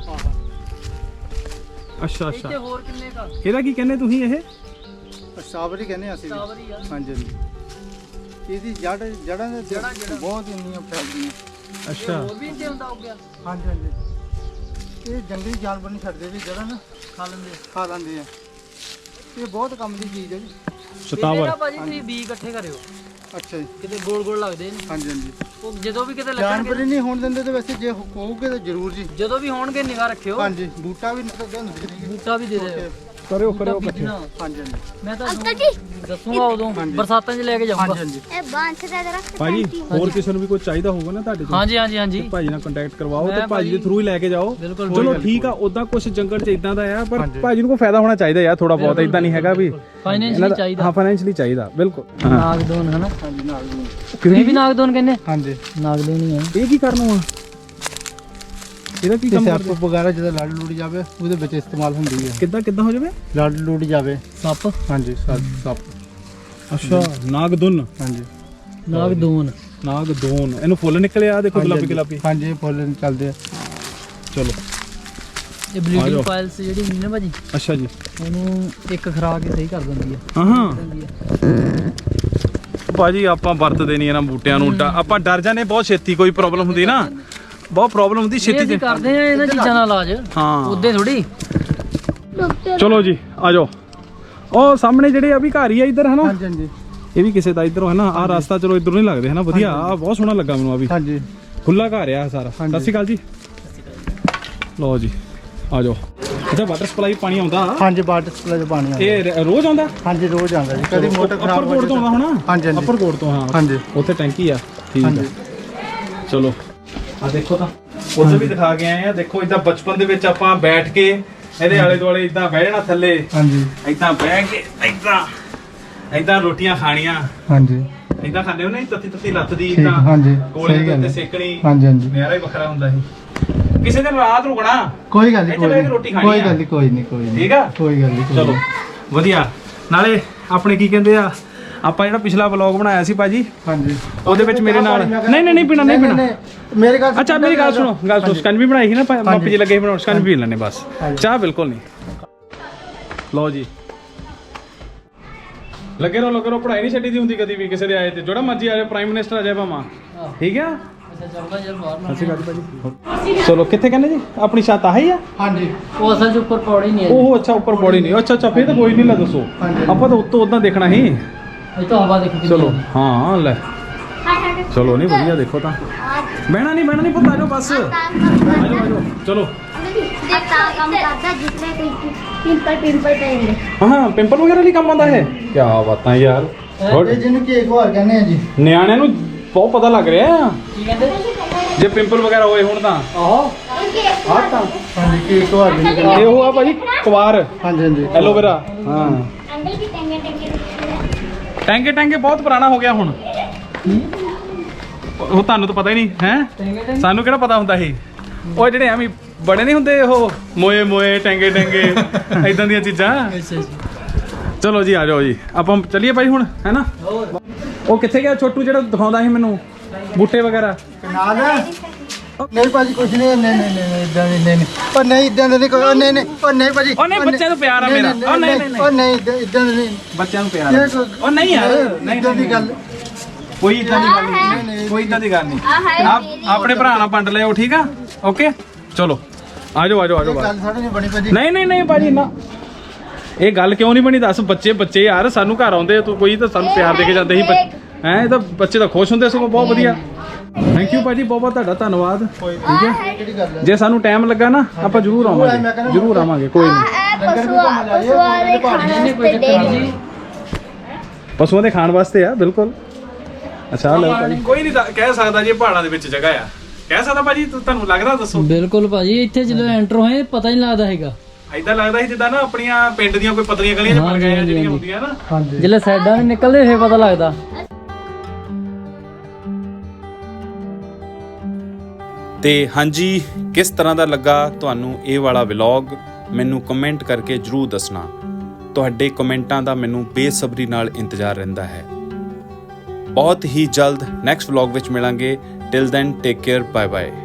ਅੱਛਾ ਇੱਥੇ ਹੋਰ ਕਿੰਨੇ ਕਾ? ਇਹਦਾ ਕੀ ਕਹਿੰਦੇ ਤੁਸੀਂ? ਇਹ ਸਾਬਰੀ ਕਹਿੰਦੇ ਆ ਅਸੀਂ ਵੀ। ਸ਼ਤਾਵਰ ਹੀ ਆ। ਹਾਂਜੀ ਹਾਂਜੀ ਇਹਦੀ ਜੜਾਂ ਦੇ ਬਹੁਤ ਇੰਨੀਆਂ ਫੈਲਦੀਆਂ। ਅੱਛਾ ਹੋਰ ਵੀ ਇੰਦੇ ਹੁੰਦਾ ਹੋ ਗਿਆ। ਹਾਂਜੀ ਹਾਂਜੀ ਇਹ ਜੰਗਲੀ ਜਾਨਵਰ ਨਹੀਂ ਛੱਡਦੇ ਜੀ, ਜੜਾਂ ਨਾ ਖਾ ਲੈਂਦੇ ਆ। ਇਹ ਬਹੁਤ ਕੰਮ ਦੀ ਚੀਜ਼ ਹੈ ਜੀ। ਸ਼ਤਾਵਰ। ਭਾਜੀ ਤੁਸੀਂ ਬੀ ਇਕੱਠੇ ਕਰਿਓ। ਅੱਛਾ ਜੀ। ਕਿਤੇ ਗੋਲ ਲੱਗਦੇ ਨੇ। ਹਾਂਜੀ ਹਾਂਜੀ ਉਹ ਜਦੋਂ ਵੀ ਕਿਤੇ ਜਾਨਵਰ ਲੱਗਣਗੇ, ਹੀ ਨਹੀਂ ਹੋਣ ਦਿੰਦੇ ਤੇ ਵੈਸੇ ਜੇ ਹੋਊਗੇ ਤਾਂ ਜ਼ਰੂਰ ਜੀ। ਜਦੋਂ ਵੀ ਹੋਣਗੇ ਨਿਗਾਹ ਰੱਖਿਓ। ਹਾਂਜੀ ਬੂਟਾ ਵੀ ਨਿਕਲਦੇ ਹੁੰਦੇ ਨੇ। ਬੂਟਾ ਵੀ ਦੇ ਦਿਓ। ਕਰਿਓ ਇਕੱਠੇ। ਹਾਂਜੀ ਹਾਂਜੀ ਮੈਂ ਤਾਂ ਅੰਕਲ ਜੀ ਦੱਸੂਗਾ ਉਦੋਂ ਬਰਸਾਤਾਂ 'ਚ ਲੈ ਕੇ ਜਾਊਂਗਾ। ਹਾਂਜੀ ਇਹ ਬਾਂਸ ਦਾ ਜਰਾ ਭਾਜੀ ਹੋਰ ਕਿਸੇ ਨੂੰ ਵੀ ਕੋਈ ਚਾਹੀਦਾ ਹੋਊਗਾ ਨਾ ਤੁਹਾਡੇ ਤੋਂ, ਹਾਂਜੀ ਭਾਜੀ ਨਾਲ ਕੰਟੈਕਟ ਕਰਵਾਓ ਤੇ ਭਾਜੀ ਦੇ ਥਰੂ ਹੀ ਲੈ ਕੇ ਜਾਓ। ਚਲੋ ਠੀਕ ਆ। ਉਦਾਂ ਕੁਝ ਜੰਗਲ 'ਚ ਇਦਾਂ ਦਾ ਆ, ਪਰ ਭਾਜੀ ਨੂੰ ਕੋਈ ਫਾਇਦਾ ਹੋਣਾ ਚਾਹੀਦਾ ਯਾਰ ਥੋੜਾ ਬਹੁਤ। ਇਦਾਂ ਨਹੀਂ ਹੈਗਾ ਵੀ ਫਾਈਨੈਂਸ਼ਲੀ ਚਾਹੀਦਾ। ਹਾਂ ਫਾਈਨੈਂਸ਼ਲੀ ਚਾਹੀਦਾ ਬਿਲਕੁਲ। ਨਾਗਦੋਨ ਹਨਾ? ਹਾਂਜੀ ਨਾਲ ਨੂੰ। ਤੁਸੀਂ ਵੀ ਨਾਗਦੋਨ ਕਹਿੰਦੇ? ਹਾਂਜੀ ਨਾਗਦੋਨ ਹੀ ਆ। ਇਹ ਕੀ ਕਰਨਾ ਆ? ਇਹਦਾ ਕੀ ਕੰਮ ਸੱਪ ਵਗੈਰਾ ਜਦੋਂ ਲੜ ਲੁੜ ਜਾਵੇ ਉਹਦੇ ਵਿੱਚ ਇਸਤੇਮਾਲ ਹੁੰਦੀ ਹੈ। ਕਿੱਦਾਂ ਹੋ ਜਾਵੇ? ਲੜ ਲੁੜ ਜਾਵੇ ਸੱਪ। ਹਾਂਜੀ ਸੱਪ। ਅੱਛਾ ਨਾਗਦੁਨ। ਹਾਂਜੀ ਨਾਗਦੋਨ। ਨਾਗਦੋਨ, ਇਹਨੂੰ ਫੁੱਲ ਨਿਕਲੇ ਆ ਦੇਖੋ ਗੁਲਾਬੀ ਗੁਲਾਬੀ। ਹਾਂਜੀ ਫੁੱਲ ਚੱਲਦੇ ਆ। ਚਲੋ ਇਹ ਬਲੀਡਿੰਗ ਪਾਇਲਸ ਜਿਹੜੀ ਹੁੰਦੀ ਨਾ ਭਾਜੀ, ਅੱਛਾ ਜੀ, ਉਹਨੂੰ ਇੱਕ ਖਰਾਕ ਹੀ ਸਹੀ ਕਰ ਦਿੰਦੀ ਆ। ਹਾਂ ਭਾਜੀ ਆਪਾਂ ਵਰਤਦੇ ਨਹੀਂ ਇਹਨਾਂ ਬੂਟਿਆਂ ਨੂੰ, ਆਪਾਂ ਡਰ ਜਾਂਦੇ ਬਹੁਤ ਛੇਤੀ, ਕੋਈ ਪ੍ਰੋਬਲਮ ਹੁੰਦੀ ਨਾ, ਬਹੁਤ ਪ੍ਰੋਬਲਮ ਹੁੰਦੀ ਛੇਤੀ ਅਸੀਂ ਕਰਦੇ ਆ ਇਹਨਾਂ ਚੀਜ਼ਾਂ ਨਾਲ ਇਲਾਜ, ਹਾਂ ਉਹਦੇ ਥੋੜੀ। ਚਲੋ ਜੀ ਆ ਜਾਓ। ਉਹ ਸਾਹਮਣੇ ਜਿਹੜੇ ਆ ਵੀ ਘਰ ਹੀ ਆ ਇੱਧਰ ਹੈ ਨਾ, ਹਾਂਜੀ ਹਾਂਜੀ ਇਹ ਵੀ ਕਿਸੇ ਦਾ ਇੱਧਰੋਂ ਹੈ ਨਾ। ਆਹ ਰਸਤਾ ਚਲੋ ਇੱਧਰੋਂ ਨਹੀਂ ਲੱਗਦੇ ਹੈ ਨਾ, ਵਧੀਆ ਆ, ਬਹੁਤ ਸੋਹਣਾ ਲੱਗਾ ਮੈਨੂੰ ਆ ਵੀ, ਹਾਂਜੀ ਖੁੱਲਾ ਘਰ ਆ ਸਾਰਾ। ਸਤਿ ਸ਼੍ਰੀ ਅਕਾਲ ਜੀ। ਲਓ ਜੀ ਆ ਜਾਓ। ਅੱਛਾ ਵਾਟਰ ਸਪਲਾਈ ਪਾਣੀ ਆਉਂਦਾ? ਹਾਂਜੀ ਵਾਟਰ ਸਪਲਾਈ ਦਾ ਪਾਣੀ ਆਉਂਦਾ। ਇਹ ਰੋਜ਼ ਆਉਂਦਾ? ਹਾਂਜੀ ਰੋਜ਼ ਆਉਂਦਾ ਜੀ, ਕਦੀ ਮੋਟਰ ਖਰਾਬ ਅੱਪਰ ਕੋਟ ਤੋਂ ਆਉਂਦਾ ਹੋਣਾ? ਹਾਂਜੀ ਹਾਂਜੀ ਅੱਪਰ ਕੋਟ ਤੋਂ, ਹਾਂ ਹਾਂਜੀ ਉੱਥੇ ਟੈਂਕੀ ਆ, ਠੀਕ ਹਾਂਜੀ। ਆ। ਚਲੋ ਆ ਦੇਖੋ ਤਾਂ ਉੱਥੇ ਵੀ ਦਿਖਾ ਕੇ ਆਏ ਆ। ਦੇਖੋ ਇਦਾਂ ਬਚਪਨ ਦੇ ਵਿੱਚ ਆਪਾਂ ਬੈਠ ਕੇ ਇਹਦੇ ਆਲੇ ਦੁਆਲੇ ਇਦਾਂ ਬਹਿ ਜਾਣਾ ਥੱਲੇ, ਹਾਂਜੀ ਇਦਾਂ ਬਹਿ ਕੇ ਇਦਾਂ ਰੋਟੀਆਂ ਖਾਣੀਆਂ, ਹਾਂਜੀ ਇਦਾਂ ਖਾਂਦੇ ਹੋ ਨਹੀਂ, ਤੱਤੀ ਤੱਤੀ ਲੱਤ ਦੀ ਠੀਕ, ਇਦਾਂ ਹਾਂਜੀ ਕੋਲੇ ਸਹੀ ਦੇ ਗੱਲ ਉੱਤੇ ਹੈ। ਸੇਕਣੀ, ਹਾਂਜੀ ਹਾਂਜੀ ਨਿਆਰਾ ਹੀ ਵੱਖਰਾ ਹੁੰਦਾ ਸੀ। ਕਿਸੇ ਦਿਨ ਰਾਤ ਰੁਕਣਾ, ਕੋਈ ਗੱਲ ਨਹੀਂ, ਇੱਥੇ ਬਹਿ ਕੇ ਰੋਟੀ ਖਾਣੀ ਕੋਈ ਆ। ਗੱਲ ਨਹੀਂ, ਕੋਈ ਨਹੀਂ, ਕੋਈ ਨਹੀਂ, ਠੀਕ ਆ? ਕੋਈ ਗੱਲ ਨਹੀਂ। ਚਲੋ ਵਧੀਆ। ਨਾਲੇ ਆਪਣੇ ਕੀ ਕਹਿੰਦੇ ਆ, ਆਪਾਂ ਜਿਹੜਾ ਪਿਛਲਾ ਵਲੌਗ ਬਣਾਇਆ ਸੀ ਭਾਜੀ, ਹਾਂਜੀ ਉਹਦੇ ਵਿੱਚ ਮੇਰੇ ਨਾਲ ਨਹੀਂ ਪੀਣਾ ਮੇਰੇ ਗੱਲ ਅੱਛਾ ਮੇਰੀ ਗੱਲ ਸੁਣੋ, ਸਕਨ ਵੀ ਬਣਾਈ ਸੀ ਨਾ ਮਾਪੀ ਜੀ ਲੱਗੇ ਬਣਾਉਣ, ਸਕਨ ਵੀ ਪੀ ਲੈਣੇ ਬਸ, ਚਾਹ ਬਿਲਕੁਲ ਨਹੀਂ। ਲਓ ਜੀ ਲੱਗੇ ਰਹੋ, ਪੜ੍ਹਾਈ ਨਹੀਂ ਛੱਡੀ ਦੀ ਹੁੰਦੀ ਕਦੀ ਵੀ ਕਿਸੇ ਦੇ ਆਏ ਤੇ, ਜਿਹੜਾ ਮਰਜੀ ਆ ਜਾਏ, ਪ੍ਰਾਈਮ ਮਿਨਿਸਟਰ ਆ ਜਾਏ ਭਾਵਾਂ, ਠੀਕ ਆ। ਅੱਛਾ ਚੱਲਦਾ ਯਾਰ ਬਾਹਰ ਨਾ। ਸਤਿ ਸ਼੍ਰੀ ਅਕਾਲ ਭਾਜੀ। ਚਲੋ ਕਿੱਥੇ ਕਹਿੰਦੇ ਜੀ ਆਪਣੀ ਛੱਤ ਆਹੀ ਆ? ਹਾਂਜੀ ਉਹ ਅਸਲ 'ਚ ਉੱਪਰ ਪੌੜੀ ਨਹੀਂ ਹੈ ਜੀ। ਉਹ ਅੱਛਾ ਉੱਪਰ ਬੋੜੀ ਨਹੀਂ, ਅੱਛਾ ਫੇਰ ਤਾਂ ਕੋਈ ਨਹੀਂ, ਲੈ ਦੱਸੋ। ਹਾਂਜੀ। ਆਪਾਂ ਤਾਂ ਉੱਤੋਂ ਉਦਾਂ ਦੇਖਣਾ ਸੀ। ਇਹ ਤਾਂ ਹਵਾ ਦੇਖੀ ਚਲੋ ਹਾਂ ਲੈ ਚਲੋ ਨਹੀਂ ਵਧੀਆ। ਦੇਖੋ ਤਾਂ ਬਹਿਣਾ ਨਹੀਂ ਪੁੱਤ, ਆ ਜਾਓ ਬਸ, ਆ ਜਾਓ ਚਲੋ। ਜੇ ਤਾਂ ਕੰਮ ਕਰਦਾ ਜਿੱਥੇ ਕੋਈ ਪਿੰਪਲ ਪੈਂਦੇ। ਹਾਂ ਪਿੰਪਲ ਵਗੈਰਾ ਲਈ ਕੰਮ ਆਉਂਦਾ ਹੈ। ਕੀ ਬਾਤਾਂ ਯਾਰ, ਇਹ ਜਿਹਨੂੰ ਕੇਕ ਹੋਰ ਕਹਿੰਦੇ ਆ ਜੀ। ਨਿਆਣਿਆਂ ਨੂੰ ਬਹੁਤ ਪਤਾ ਲੱਗ ਰਿਹਾ ਆ। ਕੀ ਕਹਿੰਦੇ? ਜੇ ਪਿੰਪਲ ਵਗੈਰਾ ਹੋਏ ਹੁਣ ਤਾਂ ਆਹੋ ਆਹ ਤਾਂ ਹਾਂਜੀ ਕੇਕ ਹੋਰ ਕਹਿੰਦੇ। ਇਹ ਉਹ ਆ ਭਾਜੀ ਕੁਵਾਰ, ਹਾਂਜੀ ਹਾਂਜੀ ਐਲੋਵੇਰਾ। ਹਾਂ ਅੰਕਲ ਵੀ ਟੈਂਕੇ ਬਹੁਤ ਪੁਰਾਣਾ ਹੋ ਗਿਆ ਹੁਣ, ਉਹ ਤੁਹਾਨੂੰ ਤਾਂ ਪਤਾ ਹੀ ਨਹੀਂ ਹੈ, ਸਾਨੂੰ ਕਿਹੜਾ ਪਤਾ ਹੁੰਦਾ ਸੀ। ਉਹ ਜਿਹੜੇ ਐਵੇਂ ਬੜੇ ਨਹੀਂ ਹੁੰਦੇ, ਉਹ ਮੋਏ ਟੈਂਗੇ ਇਦਾਂ ਦੀਆਂ ਚੀਜ਼ਾਂ। ਅੱਛਾ ਜੀ। ਚਲੋ ਜੀ ਆ ਜਾਓ ਜੀ, ਆਪਾਂ ਚੱਲੀਏ ਭਾਈ ਹੁਣ, ਹੈ ਨਾ। ਉਹ ਕਿੱਥੇ ਗਿਆ ਛੋਟੂ ਜਿਹੜਾ ਦਿਖਾਉਂਦਾ ਸੀ ਮੈਨੂੰ ਬੂਟੇ ਵਗੈਰਾ? ਨਾਲ ਨਹੀਂ ਭਾਜੀ ਕੁਝ ਨਹੀਂ, ਨਹੀਂ ਇਦਾਂ ਨਹੀਂ ਪਰ ਨਹੀਂ ਇਦਾਂ ਨਹੀਂ ਕੋਈ, ਨਹੀਂ ਭਾਜੀ, ਉਹ ਨਹੀਂ ਬੱਚਿਆਂ ਨੂੰ ਪਿਆਰ ਆ ਮੇਰਾ, ਉਹ ਨਹੀਂ ਇਦਾਂ ਨਹੀਂ ਬੱਚਿਆਂ ਨੂੰ ਪਿਆਰ ਆ। ਉਹ ਨਹੀਂ ਯਾਰ, ਨਹੀਂ ਇਦਾਂ ਦੀ ਗੱਲ ਕੋਈ ਇਦਾਂ ਦੀ ਗੱਲ ਨਹੀਂ, ਕੋਈ ਇਦਾਂ ਦੀ ਗੱਲ ਨਹੀਂ। ਆਪ ਆਪਣੇ ਭਰਾ ਨਾਲ ਵੰਡ ਲਿਓ, ਠੀਕ ਆ, ਓਕੇ। ਚਲੋ ਆ ਜਾਓ ਬਸ। ਗੱਲ ਸਾਡੇ ਨਹੀਂ ਬਣੀ ਭਾਜੀ। ਨਹੀਂ ਭਾਜੀ ਨਾ, ਇਹ ਗੱਲ ਕਿਉਂ ਨਹੀਂ ਬਣੀ ਦੱਸ। ਬੱਚੇ ਯਾਰ ਸਾਨੂੰ ਘਰ ਆਉਂਦੇ ਤੂੰ ਕੋਈ ਤਾਂ ਸਾਨੂੰ ਪਿਆਰ ਦੇ ਕੇ ਜਾਂਦੇ ਸੀ ਹੈ, ਇਹ ਤਾਂ ਬੱਚੇ ਤਾਂ ਖੁਸ਼ ਹੁੰਦੇ ਸਗੋਂ, ਬਹੁਤ ਵਧੀਆ। ਥੈਂਕ ਯੂ ਭਾਜੀ, ਬਹੁਤ ਤੁਹਾਡਾ ਧੰਨਵਾਦ। ਠੀਕ ਹੈ, ਕਿਹੜੀ ਗੱਲ ਹੈ? ਜੇ ਸਾਨੂੰ ਟਾਈਮ ਲੱਗਾ ਨਾ ਆਪਾਂ ਜ਼ਰੂਰ ਆਵਾਂਗੇ, ਕੋਈ ਨਹੀਂ। ਪਸ਼ੂਆਂ ਦੇ ਖਾਣ ਵਾਸਤੇ ਆ, ਬਿਲਕੁਲ। ਅੱਛਾ ਲਓ ਭਾਜੀ, ਕੋਈ ਨਹੀਂ ਕਹਿ ਸਕਦਾ ਜੀ ਪਹਾੜਾਂ ਦੇ ਵਿੱਚ ਜਗ੍ਹਾ ਆ, ਕਹਿ ਸਕਦਾ ਭਾਜੀ, ਤੁਹਾਨੂੰ ਲੱਗਦਾ ਦੱਸੋ। ਬਿਲਕੁਲ ਭਾਜੀ, ਇੱਥੇ ਜਦੋਂ ਐਂਟਰ ਹੋਏ ਪਤਾ ਹੀ ਨਹੀਂ ਲੱਗਦਾ ਹੈਗਾ। ਏਦਾਂ ਲੱਗਦਾ ਸੀ ਜਿੱਦਾਂ ਨਾ ਆਪਣੀਆਂ ਪਿੰਡ ਦੀਆਂ ਕੋਈ ਪਤਲੀਆਂ ਗਲੀਆਂ 'ਚ ਬਣ ਗਏ ਜਿਹੜੀਆਂ ਹੁੰਦੀਆਂ ਨਾ। ਹਾਂਜੀ ਜਦੋਂ ਸਾਈਡਾਂ ਨਹੀਂ ਨਿਕਲਦੇ ਫੇਰ ਪਤਾ ਲੱਗਦਾ। ਤੇ ਹਾਂਜੀ, ਕਿਸ ਤਰ੍ਹਾਂ ਦਾ ਲੱਗਾ ਤੁਹਾਨੂੰ ਇਹ ਵਾਲਾ ਵਲੌਗ, ਮੈਨੂੰ ਕਮੈਂਟ ਕਰਕੇ ਜਰੂਰ ਦੱਸਣਾ। ਤੁਹਾਡੇ ਕਮੈਂਟਾਂ ਦਾ ਮੈਨੂੰ ਬੇਸਬਰੀ ਨਾਲ ਇੰਤਜ਼ਾਰ ਰਹਿੰਦਾ ਹੈ। ਬਹੁਤ ਹੀ ਜਲਦ ਨੈਕਸਟ ਵਲੌਗ ਵਿੱਚ ਮਿਲਾਂਗੇ। Till then take care, bye bye.